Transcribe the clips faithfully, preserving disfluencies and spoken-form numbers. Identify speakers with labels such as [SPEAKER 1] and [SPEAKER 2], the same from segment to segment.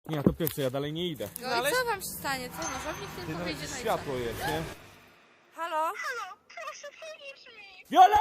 [SPEAKER 1] Nie, to pierwsze, ja dalej nie idę.
[SPEAKER 2] No ale... i co wam się stanie? Co? Nożownik
[SPEAKER 1] Ty
[SPEAKER 2] tylko wyjdzie na
[SPEAKER 1] światło jest, nie?
[SPEAKER 2] Halo?
[SPEAKER 3] Halo, proszę pomóż mi!
[SPEAKER 1] Viola!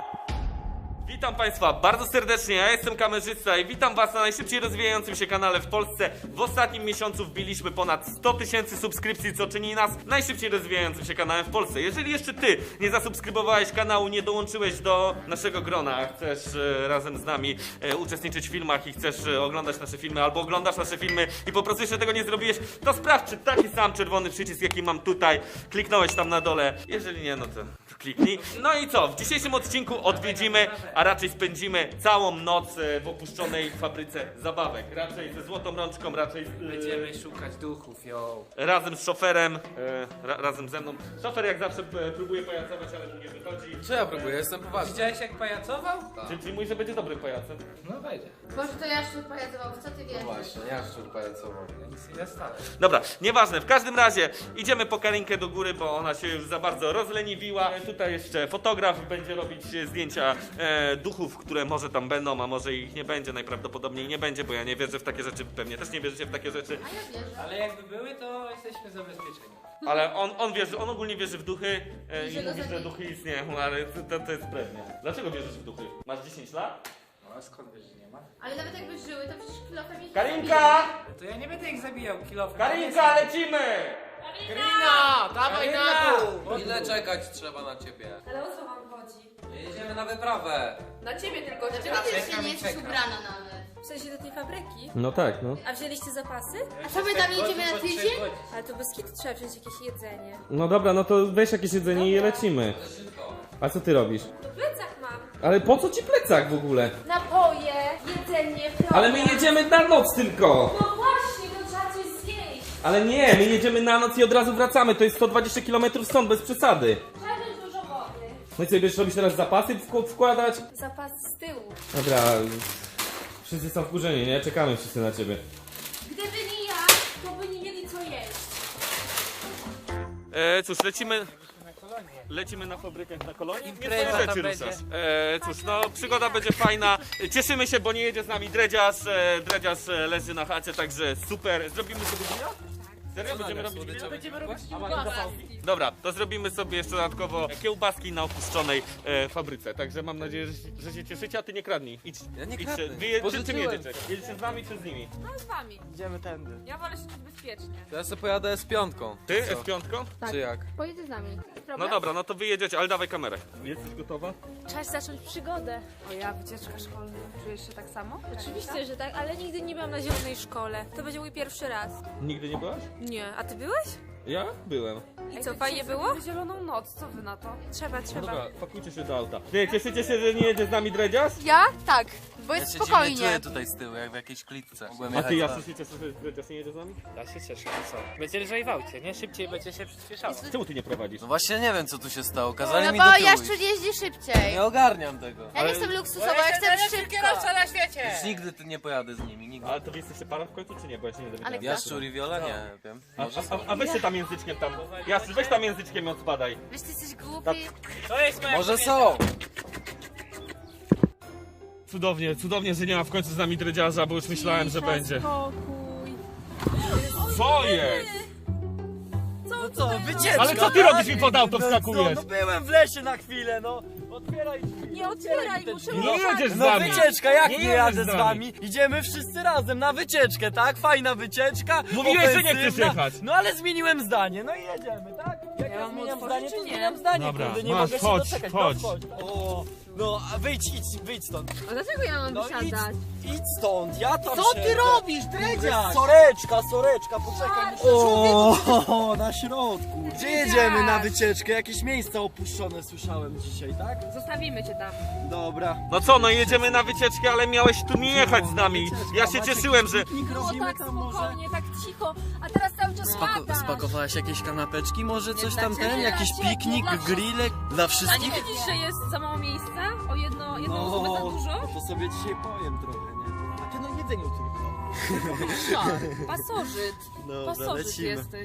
[SPEAKER 1] Witam Państwa bardzo serdecznie, ja jestem kamerzysta i witam Was na najszybciej rozwijającym się kanale w Polsce. W ostatnim miesiącu wbiliśmy ponad sto tysięcy subskrypcji, co czyni nas najszybciej rozwijającym się kanałem w Polsce. Jeżeli jeszcze Ty nie zasubskrybowałeś kanału, nie dołączyłeś do naszego grona, a chcesz e, razem z nami e, uczestniczyć w filmach i chcesz e, oglądać nasze filmy, albo oglądasz nasze filmy i po prostu jeszcze tego nie zrobiłeś, to sprawdź, czy taki sam czerwony przycisk, jaki mam tutaj, kliknąłeś tam na dole. Jeżeli nie, no to kliknij. No i co? W dzisiejszym odcinku odwiedzimy, a raczej spędzimy całą noc w opuszczonej fabryce zabawek. Raczej ze złotą rączką, raczej z,
[SPEAKER 4] Będziemy szukać duchów, yo.
[SPEAKER 1] razem z szoferem, e, ra, razem ze mną. Szofer jak zawsze e, próbuje pajacować, ale mu nie wychodzi.
[SPEAKER 4] Co ja próbuję? Jestem poważny. Widziałeś jak pajacował?
[SPEAKER 1] Czyli, czyli mówi, że będzie dobrym pajacem.
[SPEAKER 4] No wejdzie.
[SPEAKER 2] Boże, to ja szczur pajacował, w co ty wiesz?
[SPEAKER 4] No właśnie, ja szczur pajacował. Ja nic nie dostałem.
[SPEAKER 1] Dobra, nieważne, w każdym razie idziemy po Karinkę do góry, bo ona się już za bardzo rozleniwiła. E, tutaj jeszcze fotograf będzie robić zdjęcia e, duchów, które może tam będą, a może ich nie będzie, najprawdopodobniej nie będzie, bo ja nie wierzę w takie rzeczy, pewnie też nie wierzycie w takie rzeczy.
[SPEAKER 2] A ja wierzę.
[SPEAKER 4] Ale jakby były, to jesteśmy zabezpieczeni.
[SPEAKER 1] Ale on, on wierzy, on ogólnie wierzy w duchy e,
[SPEAKER 2] I
[SPEAKER 1] i
[SPEAKER 2] że go
[SPEAKER 1] mówi, że
[SPEAKER 2] zabije.
[SPEAKER 1] duchy istnieją, ale to, to, to jest brednia. Dlaczego wierzysz w duchy? Masz dziesięć lat?
[SPEAKER 4] No a skąd wiesz, że nie ma?
[SPEAKER 2] Ale nawet jakby żyły, to przecież kilofem ich
[SPEAKER 1] Karinka!
[SPEAKER 4] No to ja nie będę ich zabijał kilofem.
[SPEAKER 1] Karinka, lecimy!
[SPEAKER 4] Karina! Dawaj na dół!
[SPEAKER 5] Ile czekać trzeba na ciebie?
[SPEAKER 6] Ale o co wam chodzi?
[SPEAKER 5] Jedziemy na wyprawę.
[SPEAKER 6] Na ciebie tylko
[SPEAKER 2] Dlaczego ty jeszcze
[SPEAKER 4] Czekam
[SPEAKER 2] nie
[SPEAKER 4] i
[SPEAKER 2] jesteś
[SPEAKER 4] czekam.
[SPEAKER 2] ubrana nawet?
[SPEAKER 6] W sensie do tej fabryki?
[SPEAKER 1] No tak, no.
[SPEAKER 6] A wzięliście zapasy?
[SPEAKER 2] A co my tam jedziemy na tydzień?
[SPEAKER 6] Ale to bez kitu trzeba wziąć jakieś jedzenie.
[SPEAKER 1] No dobra, no to weź jakieś jedzenie i lecimy. A co ty robisz?
[SPEAKER 6] To plecak mam.
[SPEAKER 1] Ale po co ci plecak w ogóle?
[SPEAKER 6] Napoje, jedzenie, program.
[SPEAKER 1] Ale my jedziemy na noc tylko!
[SPEAKER 6] No właśnie, to trzeba coś zjeść.
[SPEAKER 1] Ale nie, my jedziemy na noc i od razu wracamy, to jest sto dwadzieścia kilometrów stąd, bez przesady.
[SPEAKER 6] Trzeba wziąć dużo wody.
[SPEAKER 1] No i co, będziesz robić teraz zapasy wk- wkładać?
[SPEAKER 6] Zapas z tyłu.
[SPEAKER 1] Dobra, wszyscy są wkurzeni, nie? Czekamy wszyscy na ciebie.
[SPEAKER 6] Gdyby nie ja, to by nie mieli co jeść.
[SPEAKER 1] E, cóż, lecimy... Lecimy na fabrykę na kolonii. Nie
[SPEAKER 4] Impreza
[SPEAKER 1] twoje
[SPEAKER 4] tam
[SPEAKER 1] rzeczy
[SPEAKER 4] będzie.
[SPEAKER 1] ruszasz. E, cóż, no przygoda będzie fajna. Cieszymy się, bo nie jedzie z nami dredziarz. E, dredziarz e, leży na chacie, także super. Zrobimy sobie grilla? Serio? Będziemy robić grilla?
[SPEAKER 4] Będziemy robić
[SPEAKER 1] A macie zapałki? Dobra, to zrobimy sobie jeszcze dodatkowo kiełbaski na opuszczonej e, fabryce. Także mam nadzieję, że, że się cieszycie, a ty nie kradnij. Idź.
[SPEAKER 5] Ja nie
[SPEAKER 1] idź,
[SPEAKER 5] kradnę.
[SPEAKER 1] Wy je, czy, czym
[SPEAKER 5] Pożyczyłem.
[SPEAKER 1] jedziecie? Jedziecie z nami czy z nimi?
[SPEAKER 6] No z wami.
[SPEAKER 4] Idziemy tędy.
[SPEAKER 6] Ja wolę się czuć bezpiecznie.
[SPEAKER 5] To ja sobie pojadę z piątką.
[SPEAKER 1] Ty,
[SPEAKER 5] Co?
[SPEAKER 1] z piątką?
[SPEAKER 5] Czy jak?
[SPEAKER 2] Pojedzie z nami.
[SPEAKER 1] No dobra, no to wy jedziecie, ale dawaj kamerę. Jesteś gotowa?
[SPEAKER 6] Czas zacząć przygodę.
[SPEAKER 7] O ja, wycieczka szkolna. Czujesz się tak samo?
[SPEAKER 6] Oczywiście, że tak, ale nigdy nie byłam na zielonej szkole. To będzie mój pierwszy raz.
[SPEAKER 1] Nigdy nie byłaś?
[SPEAKER 6] Nie, a ty byłeś?
[SPEAKER 1] Ja? Byłem.
[SPEAKER 6] I co, fajnie było?
[SPEAKER 7] Zrobimy zieloną noc, co wy na to?
[SPEAKER 6] Trzeba,
[SPEAKER 1] No
[SPEAKER 6] trzeba.
[SPEAKER 1] dobra, pakujcie się do auta. Ty, cieszycie się, że nie jedzie z nami dredziarz?
[SPEAKER 2] Ja? Tak, bo
[SPEAKER 5] Ja
[SPEAKER 2] jest
[SPEAKER 5] się dziwnie
[SPEAKER 2] spokojnie.
[SPEAKER 5] czuję tutaj z tyłu, jak w jakiejś klitce. Mogłem
[SPEAKER 1] A ty,
[SPEAKER 5] jechać
[SPEAKER 1] ja się cieszę, że dredziarz nie jedzie z nami?
[SPEAKER 4] Ja się cieszę, no co? Będzie lżej w aucie, nie? Szybciej będzie się przyspieszało.
[SPEAKER 1] Czemu ty nie prowadzisz?
[SPEAKER 5] No właśnie nie wiem co tu się stało, kazali
[SPEAKER 2] No
[SPEAKER 5] mi
[SPEAKER 2] bo
[SPEAKER 5] do tyłu
[SPEAKER 2] Jaszczur
[SPEAKER 5] iść.
[SPEAKER 2] jeździ szybciej.
[SPEAKER 5] Nie ogarniam tego.
[SPEAKER 2] Ja nie chcę luksusowo, ja chcę szybko.
[SPEAKER 4] na świecie!
[SPEAKER 5] Już nigdy tu nie pojadę z nimi, nigdy.
[SPEAKER 1] Ale to wy jesteście para w końcu, czy nie? Bo ja się nie dowiedziałem.
[SPEAKER 2] Ale
[SPEAKER 5] Jaszczur i Viola? Nie wiem.
[SPEAKER 1] A, a, a weź się tam języczkiem tam. Jaszczur, weź tam języczkiem i odpadaj.
[SPEAKER 2] Wiesz, ty jesteś głupi.
[SPEAKER 4] To jest moja
[SPEAKER 5] Może
[SPEAKER 4] kobieta.
[SPEAKER 5] są!
[SPEAKER 1] Cudownie, cudownie, że nie ma w końcu z nami dredziarza, bo już myślałem, że będzie.
[SPEAKER 6] Spokój.
[SPEAKER 1] Co jest?
[SPEAKER 8] No co, wycieczka!
[SPEAKER 1] Ale co ty robisz mi pod auto wskakujesz?
[SPEAKER 8] No byłem w lesie na chwilę, no! Otwieraj!
[SPEAKER 6] Nie otwieraj,
[SPEAKER 8] te
[SPEAKER 6] muszę
[SPEAKER 8] drzwi.
[SPEAKER 1] Nie jedziesz z
[SPEAKER 8] No
[SPEAKER 1] nami!
[SPEAKER 8] wycieczka, jak
[SPEAKER 1] Nie
[SPEAKER 8] nie,
[SPEAKER 1] jedziesz
[SPEAKER 8] jadę
[SPEAKER 1] z
[SPEAKER 8] z
[SPEAKER 1] nami.
[SPEAKER 8] wami? Idziemy wszyscy razem na wycieczkę, tak? Fajna wycieczka.
[SPEAKER 1] Mówiłeś, że nie chcesz
[SPEAKER 8] ofensywna.
[SPEAKER 1] jechać.
[SPEAKER 8] No ale zmieniłem zdanie, no i jedziemy, tak? Jak ja,
[SPEAKER 7] mam
[SPEAKER 8] zmieniam
[SPEAKER 7] otworzyć,
[SPEAKER 8] zdanie,
[SPEAKER 7] czy
[SPEAKER 8] to
[SPEAKER 7] nie?
[SPEAKER 8] zmieniam zdanie,
[SPEAKER 1] Dobra,
[SPEAKER 8] kurde, nie
[SPEAKER 1] masz,
[SPEAKER 8] mogę
[SPEAKER 1] chodź,
[SPEAKER 8] się doczekać.
[SPEAKER 1] chodź.
[SPEAKER 8] No, chodź. O, no a wyjdź, idź, wyjdź stąd.
[SPEAKER 2] A dlaczego ja mam
[SPEAKER 8] No idź,
[SPEAKER 2] wysiadać?
[SPEAKER 8] idź stąd, ja tam
[SPEAKER 7] Co ty
[SPEAKER 8] siedzę.
[SPEAKER 7] robisz, dredziarz?
[SPEAKER 8] Soreczka, soreczka, poczekaj. O, na środku. Gdzie jedziemy na wycieczkę? Jakieś miejsca opuszczone słyszałem dzisiaj, tak?
[SPEAKER 7] Zostawimy cię tam.
[SPEAKER 8] Dobra.
[SPEAKER 1] No co, no jedziemy na wycieczkę, ale miałeś tu nie jechać z nami. Ja się
[SPEAKER 8] Macie
[SPEAKER 1] cieszyłem, że...
[SPEAKER 8] piknik
[SPEAKER 6] Było
[SPEAKER 8] robimy
[SPEAKER 6] tak
[SPEAKER 8] tam może?
[SPEAKER 6] spokojnie, tak cicho, a teraz cały czas gadasz.
[SPEAKER 8] Spakowałaś jakieś kanapeczki, może coś
[SPEAKER 6] dla
[SPEAKER 8] tam
[SPEAKER 6] ciebie,
[SPEAKER 8] ten?
[SPEAKER 6] dla
[SPEAKER 8] Jakiś
[SPEAKER 6] ciebie,
[SPEAKER 8] piknik,
[SPEAKER 6] dla
[SPEAKER 8] grillek dla
[SPEAKER 6] A
[SPEAKER 8] wszystkich?
[SPEAKER 6] nie widzisz, że jest za mało miejsca? O jedno, jedną osobę za dużo?
[SPEAKER 8] to sobie dzisiaj powiem trochę, nie? A ty no jedzenie tylko.
[SPEAKER 6] Pasożyt.
[SPEAKER 8] Dobra,
[SPEAKER 6] Pasożyt
[SPEAKER 8] lecimy.
[SPEAKER 6] jesteś.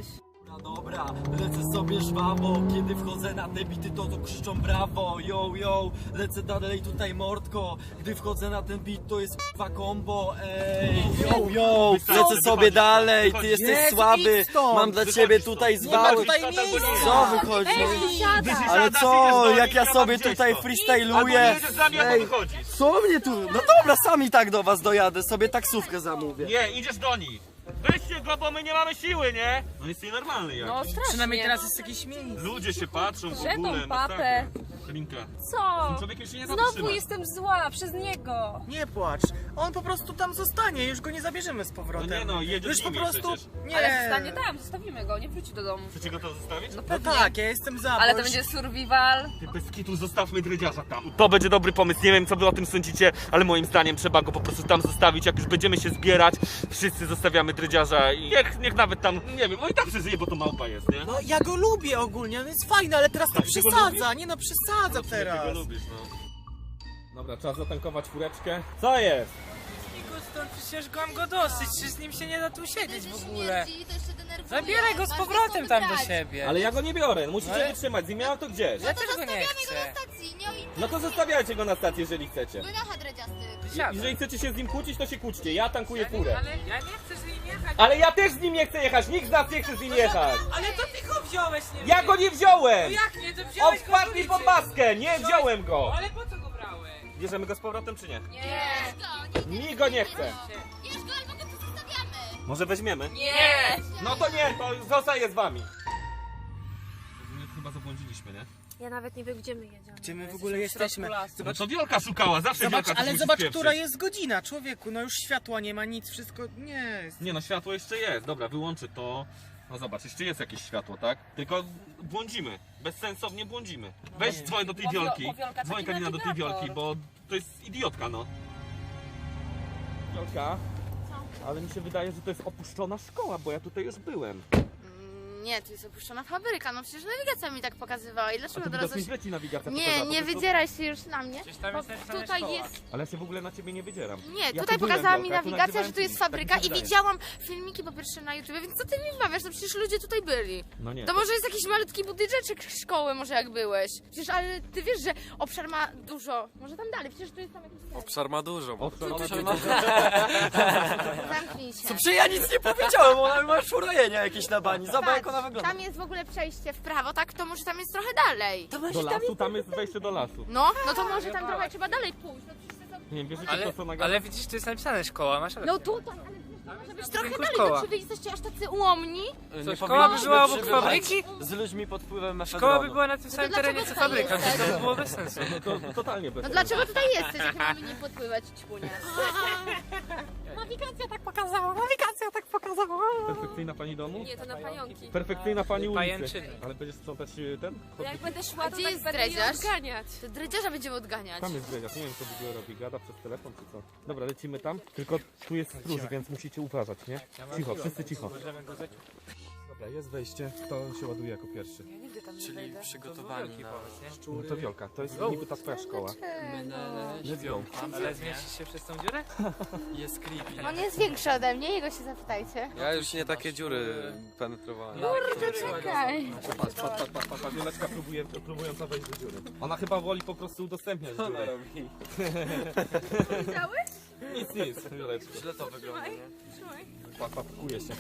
[SPEAKER 8] Dobra, lecę sobie żwawo, kiedy wchodzę na te bity, to to krzyczą brawo, yo, yo, lecę dalej tutaj mordko, gdy wchodzę na ten beat, to jest k***wa combo, ej, yo, yo, lecę sobie dalej, ty jesteś słaby, mam dla ciebie tutaj zwały, co wychodzi? Ale co, jak ja sobie tutaj freestyluję, ej, co mnie tu, no dobra, sami tak do was dojadę, sobie taksówkę zamówię.
[SPEAKER 1] Nie, idziesz do nich. Weźcie go, bo my nie mamy siły, nie? On jest nienormalny jak.
[SPEAKER 7] No strasznie.
[SPEAKER 4] Przynajmniej teraz jest jakieś miejsce.
[SPEAKER 1] Ludzie się patrzą w
[SPEAKER 7] Że tą
[SPEAKER 1] ogóle.
[SPEAKER 7] papę.
[SPEAKER 1] Linka.
[SPEAKER 6] Co?
[SPEAKER 1] Tym człowiekiem się nie
[SPEAKER 6] Znowu
[SPEAKER 1] zatrzyma.
[SPEAKER 6] jestem zła przez niego.
[SPEAKER 4] Nie płacz. On po prostu tam zostanie, już go nie zabierzemy z powrotem.
[SPEAKER 1] No nie no, jedziesz
[SPEAKER 4] Już
[SPEAKER 1] z
[SPEAKER 4] po
[SPEAKER 1] nimi
[SPEAKER 4] prostu.
[SPEAKER 1] przecież.
[SPEAKER 4] Nie.
[SPEAKER 7] Ale zostanie tam, zostawimy go, nie wróci do domu.
[SPEAKER 1] Chcecie go to zostawić?
[SPEAKER 7] No
[SPEAKER 4] No
[SPEAKER 7] pewnie.
[SPEAKER 4] tak, ja jestem za.
[SPEAKER 7] Ale
[SPEAKER 4] bo
[SPEAKER 7] to
[SPEAKER 4] już-
[SPEAKER 7] będzie survival.
[SPEAKER 1] Ty bez kitu zostawmy dredziarza tam. To będzie dobry pomysł, nie wiem co wy o tym sądzicie, ale moim zdaniem trzeba go po prostu tam zostawić. Jak już będziemy się zbierać, wszyscy zostawiamy dredziarza i niech, niech nawet tam, nie wiem, on i tak przeżyje, bo to małpa jest, nie?
[SPEAKER 4] No ja go lubię ogólnie, on jest fajny, ale teraz to
[SPEAKER 1] Tak, ty go
[SPEAKER 4] przesadza, nie no przesadza
[SPEAKER 1] Ty
[SPEAKER 4] teraz.
[SPEAKER 1] go lubisz, no. Dobra, trzeba zatankować fureczkę. Co jest?
[SPEAKER 4] Stąd przecież go mam go dosyć, czy z nim się nie da tu siedzieć w ogóle.
[SPEAKER 2] Śmierdzi, to jeszcze denerwuje.
[SPEAKER 4] Zabieraj go z
[SPEAKER 2] Masz
[SPEAKER 4] powrotem
[SPEAKER 2] go
[SPEAKER 4] tam do
[SPEAKER 2] wybrać.
[SPEAKER 4] siebie.
[SPEAKER 1] Ale ja go nie biorę, musicie
[SPEAKER 4] Ale-
[SPEAKER 1] wytrzymać, z nim miałem to gdzieś.
[SPEAKER 4] Ja też go nie
[SPEAKER 2] Zostawiamy
[SPEAKER 4] chcę.
[SPEAKER 2] go na stacji, nie o innym.
[SPEAKER 1] No to zostawiajcie go na stacji, jeżeli chcecie.
[SPEAKER 2] Wynocha dredziasty.
[SPEAKER 4] Siadaj.
[SPEAKER 1] Jeżeli chcecie się z nim kłócić, to się kłóćcie, ja tankuję furę.
[SPEAKER 4] Ale ja nie chcę z nim jechać.
[SPEAKER 1] Ale ja też z nim nie chcę jechać, nikt z nas nie chce z nim jechać.
[SPEAKER 4] Ale to ty go wziąłeś, nie
[SPEAKER 1] Ja go nie wziąłem!
[SPEAKER 4] Jak nie, to
[SPEAKER 1] On
[SPEAKER 4] wziąłeś go
[SPEAKER 1] wpadł
[SPEAKER 4] z
[SPEAKER 1] mi
[SPEAKER 4] ulicy.
[SPEAKER 1] pod maskę, nie wziąłem go!
[SPEAKER 4] Ale po co go brałeś?
[SPEAKER 1] Bierzemy go z powrotem czy nie?
[SPEAKER 2] Nie. Go, nie,
[SPEAKER 1] Mi go nie chce.
[SPEAKER 2] Bierz go, albo go tu zostawiamy.
[SPEAKER 1] Może weźmiemy?
[SPEAKER 7] Nie!
[SPEAKER 1] No to nie, to zostaję z wami. Chyba zabłądziliśmy, nie?
[SPEAKER 6] Ja nawet nie wiem, gdzie my jedziemy.
[SPEAKER 4] Gdzie my w ogóle jesteśmy?
[SPEAKER 1] No
[SPEAKER 4] Zobacz,
[SPEAKER 1] to Wiolka szukała, zawsze
[SPEAKER 4] zobacz
[SPEAKER 1] Wiolka
[SPEAKER 4] ale
[SPEAKER 1] coś
[SPEAKER 4] zobacz,
[SPEAKER 1] musi
[SPEAKER 4] która
[SPEAKER 1] spieprzyć.
[SPEAKER 4] jest godzina, człowieku, no już światła nie ma, nic, wszystko, nie jest.
[SPEAKER 1] Nie no, światło jeszcze jest, dobra, wyłączę to. No zobacz, jeszcze jest jakieś światło, tak? Tylko błądzimy, bezsensownie błądzimy. Weź dzwoń do tej
[SPEAKER 7] Bo Wio-
[SPEAKER 1] Wiolki,
[SPEAKER 7] bo Wiolka
[SPEAKER 1] dzwoń
[SPEAKER 7] taki
[SPEAKER 1] Karina do tej
[SPEAKER 7] nawigator.
[SPEAKER 1] Wiolki, bo to jest idiotka, no. Wiolka? Ale mi się wydaje, że to jest opuszczona szkoła, bo ja tutaj już byłem.
[SPEAKER 2] Nie, to jest opuszczona fabryka, no przecież nawigacja mi tak pokazywała i
[SPEAKER 1] A
[SPEAKER 2] dlaczego
[SPEAKER 1] to
[SPEAKER 2] teraz
[SPEAKER 1] teraz mi
[SPEAKER 2] coś...
[SPEAKER 1] zleci nawigacja
[SPEAKER 2] Nie,
[SPEAKER 1] pokazała,
[SPEAKER 2] nie
[SPEAKER 1] po prostu-
[SPEAKER 2] wydzieraj się już na mnie,
[SPEAKER 4] Gdzieś tam
[SPEAKER 2] bo
[SPEAKER 4] jest napisane
[SPEAKER 2] tutaj
[SPEAKER 4] szkoła.
[SPEAKER 2] jest...
[SPEAKER 1] Ale ja się w ogóle na ciebie nie wydzieram.
[SPEAKER 2] Nie,
[SPEAKER 1] Ja
[SPEAKER 2] tutaj
[SPEAKER 1] tu byłem,
[SPEAKER 2] pokazała mi
[SPEAKER 1] Wiolka, tu
[SPEAKER 2] nawigacja,
[SPEAKER 1] nagrywałem
[SPEAKER 2] że tu jest
[SPEAKER 1] filmik, tak mi
[SPEAKER 2] fabryka
[SPEAKER 1] się
[SPEAKER 2] i
[SPEAKER 1] wydaje.
[SPEAKER 2] widziałam filmiki po pierwsze na YouTube, więc co ty mi wmawiasz? No przecież ludzie tutaj byli.
[SPEAKER 1] No nie.
[SPEAKER 2] To może jest jakiś malutki budyneczek szkoły, może jak byłeś. Przecież, ale ty wiesz, że obszar ma dużo. Może tam dalej, przecież tu jest tam jakiś...
[SPEAKER 5] Obszar ma dużo.
[SPEAKER 1] Owszem,
[SPEAKER 2] Tu,
[SPEAKER 1] one
[SPEAKER 2] tu,
[SPEAKER 1] to
[SPEAKER 2] tu,
[SPEAKER 1] ma-
[SPEAKER 2] tu. Zamknij się.
[SPEAKER 8] Co, przecież ja nic nie powiedziałem, ona ma szurojenia jakieś na bani, zobacz jak ona wygląda.
[SPEAKER 2] Tam jest w ogóle przejście w prawo, tak? To może tam jest trochę dalej.
[SPEAKER 1] Do lasu, tam jest wejście do lasu.
[SPEAKER 2] No, no to może tam trochę trzeba dalej pójść. No, przecież to...
[SPEAKER 1] Nie wiem, wierzycie
[SPEAKER 4] Ale,
[SPEAKER 1] to co nagadam?
[SPEAKER 4] ale widzisz, tu jest napisane szkoła, masz rację.
[SPEAKER 2] no tutaj, ale przecież to może być trochę
[SPEAKER 4] Tylko
[SPEAKER 2] dalej.
[SPEAKER 4] szkoła.
[SPEAKER 2] No czy wy jesteście aż tacy ułomni?
[SPEAKER 4] Co, szkoła by była obok
[SPEAKER 8] przebywać
[SPEAKER 4] fabryki?
[SPEAKER 8] z ludźmi pod wpływem
[SPEAKER 4] Szkoła
[SPEAKER 8] mefedronu.
[SPEAKER 4] by była na tym samym
[SPEAKER 2] dlaczego
[SPEAKER 4] terenie co
[SPEAKER 2] tutaj
[SPEAKER 4] fabryka,
[SPEAKER 2] jesteś?
[SPEAKER 4] więc to by było bez sensu.
[SPEAKER 1] No to totalnie bez
[SPEAKER 2] No
[SPEAKER 1] sensu.
[SPEAKER 2] dlaczego tutaj jesteś, jak mamy nie podpływać, ćpunie?
[SPEAKER 6] Nawigacja tak pokazała, nawigacja tak pokazała.
[SPEAKER 1] Perfekcyjna pani domu?
[SPEAKER 6] Nie, to na pająki.
[SPEAKER 1] Perfekcyjna pani ulicy.
[SPEAKER 4] Pajęczyny.
[SPEAKER 1] Ale będziesz sprzątać y, ten?
[SPEAKER 6] Bo jak będę szła, to
[SPEAKER 2] gdzie
[SPEAKER 6] tak
[SPEAKER 2] jest
[SPEAKER 6] będę je
[SPEAKER 2] dredziarz?
[SPEAKER 6] odganiać.
[SPEAKER 2] To dredziarza będziemy odganiać.
[SPEAKER 1] Tam jest dredziarz, nie wiem co w ogóle robi, gada przez telefon czy co. Dobra, lecimy tam, tylko tu jest stróż, więc musicie uważać, nie? Cicho, wszyscy cicho. Dobra, jest wejście, kto się ładuje jako pierwszy?
[SPEAKER 7] Ja nigdy tam nie
[SPEAKER 5] Czyli
[SPEAKER 7] wejdę.
[SPEAKER 5] przygotowani na...
[SPEAKER 1] No to Wiolka, to jest niby ta twoja szkoła. Let's go.
[SPEAKER 4] Ale zmieścisz się przez tą dziurę?
[SPEAKER 5] Jest creepy.
[SPEAKER 2] On jest większy ode mnie, jego się zapytajcie.
[SPEAKER 5] Ja już nie takie dziury penetrowałem.
[SPEAKER 2] Kurde, czekaj.
[SPEAKER 1] Patrz, patrz, patrz, patrz, patrz, Wioleczka próbuje, próbująca wejść do dziury. Ona chyba woli po prostu udostępniać dziurę.
[SPEAKER 2] Widziałeś?
[SPEAKER 1] Nic, nic, Wioleczka.
[SPEAKER 5] Źle to wygląda, nie?
[SPEAKER 1] Patrz, patrz, pakuje się.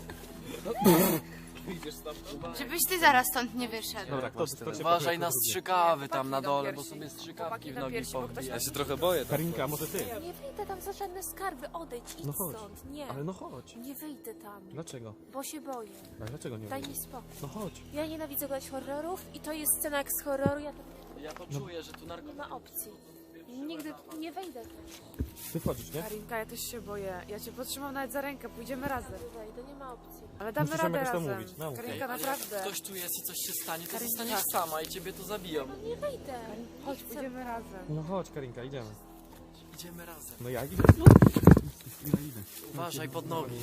[SPEAKER 2] Żebyś ty zaraz stąd nie wyszedł.
[SPEAKER 1] Dobra, kto, kto cię
[SPEAKER 5] Uważaj
[SPEAKER 1] pakuje,
[SPEAKER 5] na
[SPEAKER 1] kto drugi?
[SPEAKER 5] strzykawy tam na
[SPEAKER 7] Chłopaki
[SPEAKER 5] dole,
[SPEAKER 7] na
[SPEAKER 5] bo
[SPEAKER 7] piersi.
[SPEAKER 5] sobie strzykawki
[SPEAKER 7] Chłopaki
[SPEAKER 5] w
[SPEAKER 7] na
[SPEAKER 5] nogi
[SPEAKER 7] piersi, bo ktoś
[SPEAKER 5] powbija.
[SPEAKER 7] tam-
[SPEAKER 5] Ja się trochę boję.
[SPEAKER 1] Karinka, może ty?
[SPEAKER 6] Nie wyjdę tam za żadne skarby, odejdź, idź
[SPEAKER 1] No chodź.
[SPEAKER 6] stąd. Nie,
[SPEAKER 1] Ale no chodź.
[SPEAKER 6] nie wyjdę tam,
[SPEAKER 1] Dlaczego?
[SPEAKER 6] bo się boję.
[SPEAKER 1] A dlaczego nie
[SPEAKER 6] Daj
[SPEAKER 1] wyjdziesz?
[SPEAKER 6] mi spokój.
[SPEAKER 1] No chodź.
[SPEAKER 6] Ja nienawidzę oglądać horrorów i to jest scena jak z horroru, ja to
[SPEAKER 5] Ja to czuję, że tu
[SPEAKER 6] nie
[SPEAKER 5] narkotyki.
[SPEAKER 6] ma opcji. Nigdy nie wejdę tam.
[SPEAKER 1] Ty wchodzisz, nie?
[SPEAKER 7] Karinka, ja też się boję. Ja cię potrzymam nawet za rękę, pójdziemy razem.
[SPEAKER 6] Nie wejdę, nie ma opcji.
[SPEAKER 7] Ale damy
[SPEAKER 1] Musisz nam
[SPEAKER 7] radę
[SPEAKER 1] jakoś to
[SPEAKER 7] razem.
[SPEAKER 1] mówić, no, okej.
[SPEAKER 7] Karinka, naprawdę.
[SPEAKER 5] Ktoś tu jest i coś się stanie, to
[SPEAKER 7] Karinka.
[SPEAKER 5] zostaniesz sama i ciebie to zabiją.
[SPEAKER 6] No nie wejdę.
[SPEAKER 7] Chodź,
[SPEAKER 6] Nie chcę.
[SPEAKER 7] pójdziemy razem.
[SPEAKER 1] No chodź, Karinka, idziemy.
[SPEAKER 5] Idziemy razem.
[SPEAKER 1] No jak idę? Ja idę.
[SPEAKER 5] Uważaj pod nogi.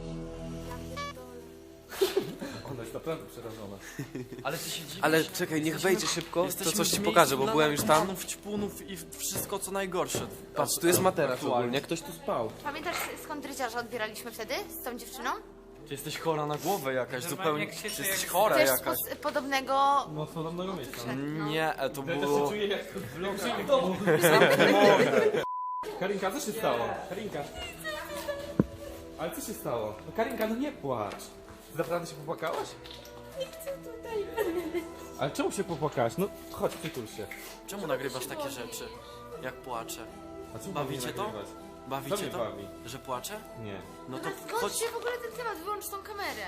[SPEAKER 1] Ona jest naprawdę przerażona.
[SPEAKER 5] Ale ty się dziwisz.
[SPEAKER 9] Ale czekaj, niech wejdzie szybko, to
[SPEAKER 5] Jesteśmy
[SPEAKER 9] coś
[SPEAKER 5] w
[SPEAKER 9] ci
[SPEAKER 5] miejscu
[SPEAKER 9] pokażę, bo
[SPEAKER 5] dla
[SPEAKER 9] byłem już tam.
[SPEAKER 5] narkomanów, ćpunów i wszystko co najgorsze.
[SPEAKER 9] Patrz, tu jest materac ogólnie, ktoś tu spał.
[SPEAKER 2] Pamiętasz skąd dredziarza odbieraliśmy wtedy? Z tą dziewczyną?
[SPEAKER 5] Ty jesteś chora na głowę jakaś,
[SPEAKER 4] Normalnie
[SPEAKER 5] zupełnie.
[SPEAKER 4] jak się
[SPEAKER 5] Ty
[SPEAKER 4] czuje,
[SPEAKER 5] jesteś
[SPEAKER 4] jak-
[SPEAKER 5] chora
[SPEAKER 2] Też
[SPEAKER 5] jakaś.
[SPEAKER 2] z podobnego...
[SPEAKER 1] No, z podobnego miejsca.
[SPEAKER 5] Nie, e, to
[SPEAKER 1] Ja też się
[SPEAKER 5] było...
[SPEAKER 1] czuję jak w vlogu w domu. Karinka, co się stało? Karinka. Ale co się stało? No Karinka, no nie płacz. Ty naprawdę się popłakałaś? Nie chcę tutaj. Ale czemu się popłakałaś? No chodź, przytul się.
[SPEAKER 5] Czemu nagrywasz takie rzeczy? Jak płaczę?
[SPEAKER 1] A czemu
[SPEAKER 5] Bawicie
[SPEAKER 1] mnie
[SPEAKER 5] to?
[SPEAKER 1] nagrywać? Co
[SPEAKER 5] Bawicie
[SPEAKER 1] mnie
[SPEAKER 5] to?
[SPEAKER 1] bawi?
[SPEAKER 5] Że płaczę?
[SPEAKER 1] Nie.
[SPEAKER 5] No to
[SPEAKER 2] Skąd
[SPEAKER 5] chodź.
[SPEAKER 2] się w ogóle ten temat? Wyłącz tą kamerę.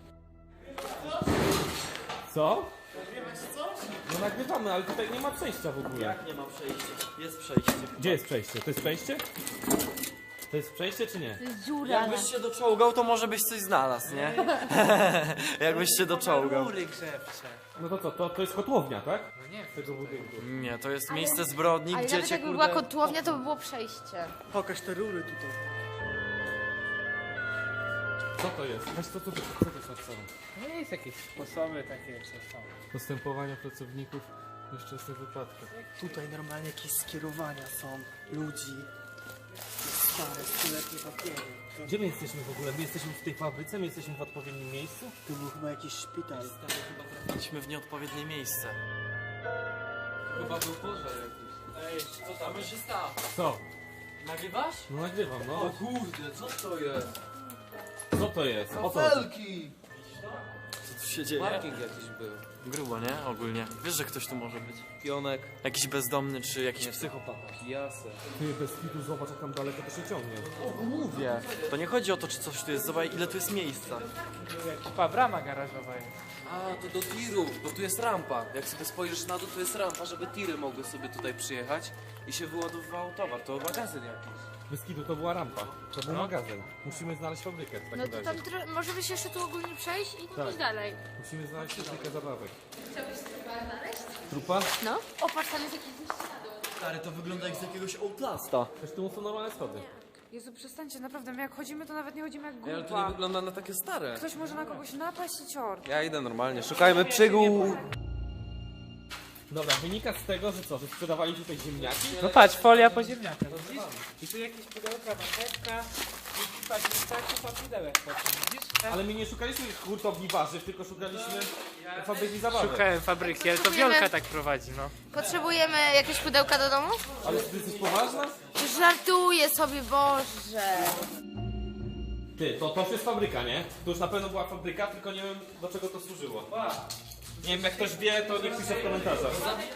[SPEAKER 1] Co? No nagrywamy, ale tutaj nie ma przejścia w ogóle.
[SPEAKER 5] Jak nie ma przejścia? Jest przejście.
[SPEAKER 1] Gdzie jest przejście? To jest przejście? To jest przejście czy nie?
[SPEAKER 2] To jest dziura.
[SPEAKER 5] Jakbyś się doczołgał, to może byś coś znalazł, nie? Jakbyś się doczołgał.
[SPEAKER 4] Rury grzewcze.
[SPEAKER 1] No to co, to, to jest kotłownia, tak?
[SPEAKER 4] No nie,
[SPEAKER 1] Tego budynku.
[SPEAKER 5] Nie, to jest miejsce zbrodni,
[SPEAKER 2] Ale
[SPEAKER 5] gdzie
[SPEAKER 2] nawet
[SPEAKER 5] cię
[SPEAKER 2] jakby
[SPEAKER 5] kurde...
[SPEAKER 2] była kotłownia, to by było przejście.
[SPEAKER 4] Pokaż te rury tutaj.
[SPEAKER 1] Co to jest? Weź to, co, co, co to jest napisane?
[SPEAKER 4] No jest jakieś sposoby takie, co są.
[SPEAKER 1] Postępowania pracowników w nieszczęsnych wypadkach.
[SPEAKER 9] Tutaj normalnie jakieś skierowania są ludzi. Stare, stuletnie papiery.
[SPEAKER 1] Gdzie my jesteśmy w ogóle? My jesteśmy w tej fabryce? My jesteśmy w odpowiednim miejscu?
[SPEAKER 9] Tu był chyba jakiś szpital.
[SPEAKER 5] Trafiliśmy w nieodpowiednie miejsce.
[SPEAKER 1] Chyba był pożar jakiś.
[SPEAKER 5] Ej, co tam się stało?
[SPEAKER 1] Co?
[SPEAKER 5] Nagrywasz?
[SPEAKER 1] No nagrywam, no.
[SPEAKER 5] kurde, co to jest?
[SPEAKER 1] Co to jest? O co chodzi?
[SPEAKER 5] Co tu się dzieje?
[SPEAKER 10] Parking jakiś był.
[SPEAKER 5] Grubo, nie? Ogólnie. Wiesz, że ktoś tu może być?
[SPEAKER 10] Pionek.
[SPEAKER 5] Jakiś bezdomny, czy jakiś psychopat.
[SPEAKER 10] Kijasy.
[SPEAKER 1] Ty bez kitu zobacz jak tam daleko to się ciągnie.
[SPEAKER 5] Mówię. To nie chodzi o to, czy coś tu jest. Zobacz, ile tu jest miejsca.
[SPEAKER 4] Chyba brama garażowa jest.
[SPEAKER 10] A, to do tirów, bo tu jest rampa. Jak sobie spojrzysz na dół, to jest rampa, żeby tiry mogły sobie tutaj przyjechać i się wyładowywał towar. To magazyn jakiś.
[SPEAKER 1] Bez kitu to była rampa. To był magazyn. Musimy znaleźć fabrykę w takim
[SPEAKER 2] No to
[SPEAKER 1] razie.
[SPEAKER 2] tam tro- możemy się jeszcze tu ogólnie przejść i
[SPEAKER 1] Tak.
[SPEAKER 2] iść dalej.
[SPEAKER 1] Musimy znaleźć fabrykę zabawek. Chciałbyś trupa znaleźć? Trupa?
[SPEAKER 2] No. O, patrz, tam jest jakiś wyjście.
[SPEAKER 5] Stary, to wygląda jak z jakiegoś Outlasta.
[SPEAKER 1] Zresztą są normalne schody.
[SPEAKER 7] Jezu, przestańcie, naprawdę, my jak chodzimy, to nawet nie chodzimy jak
[SPEAKER 10] Ej, ale to nie
[SPEAKER 7] grupa.
[SPEAKER 10] wygląda na takie stare.
[SPEAKER 7] Ktoś może na kogoś napaść i cior.
[SPEAKER 10] Ja idę normalnie, szukajmy przygód.
[SPEAKER 1] Dobra, wynika z tego, że co, że sprzedawali tutaj ziemniaki?
[SPEAKER 4] No patrz, folia po ziemniakach, widzisz? I tu jakieś pudełka, marchewka, i patrz, wystarczy pa pudełek po tym, widzisz?
[SPEAKER 1] Ale my nie szukaliśmy hurtowni warzyw, tylko szukaliśmy fabryki zabawek.
[SPEAKER 4] Szukałem fabryki, ale to Wiolka tak prowadzi, no.
[SPEAKER 2] Potrzebujemy jakieś pudełka do domu?
[SPEAKER 1] Ale ty jesteś poważna?
[SPEAKER 2] Żartuję sobie, Boże.
[SPEAKER 1] Ty, to, to już jest fabryka, nie? To już na pewno była fabryka, tylko nie wiem do czego to służyło. Nie wiem, jak ktoś wie, to niech pisze w komentarzach.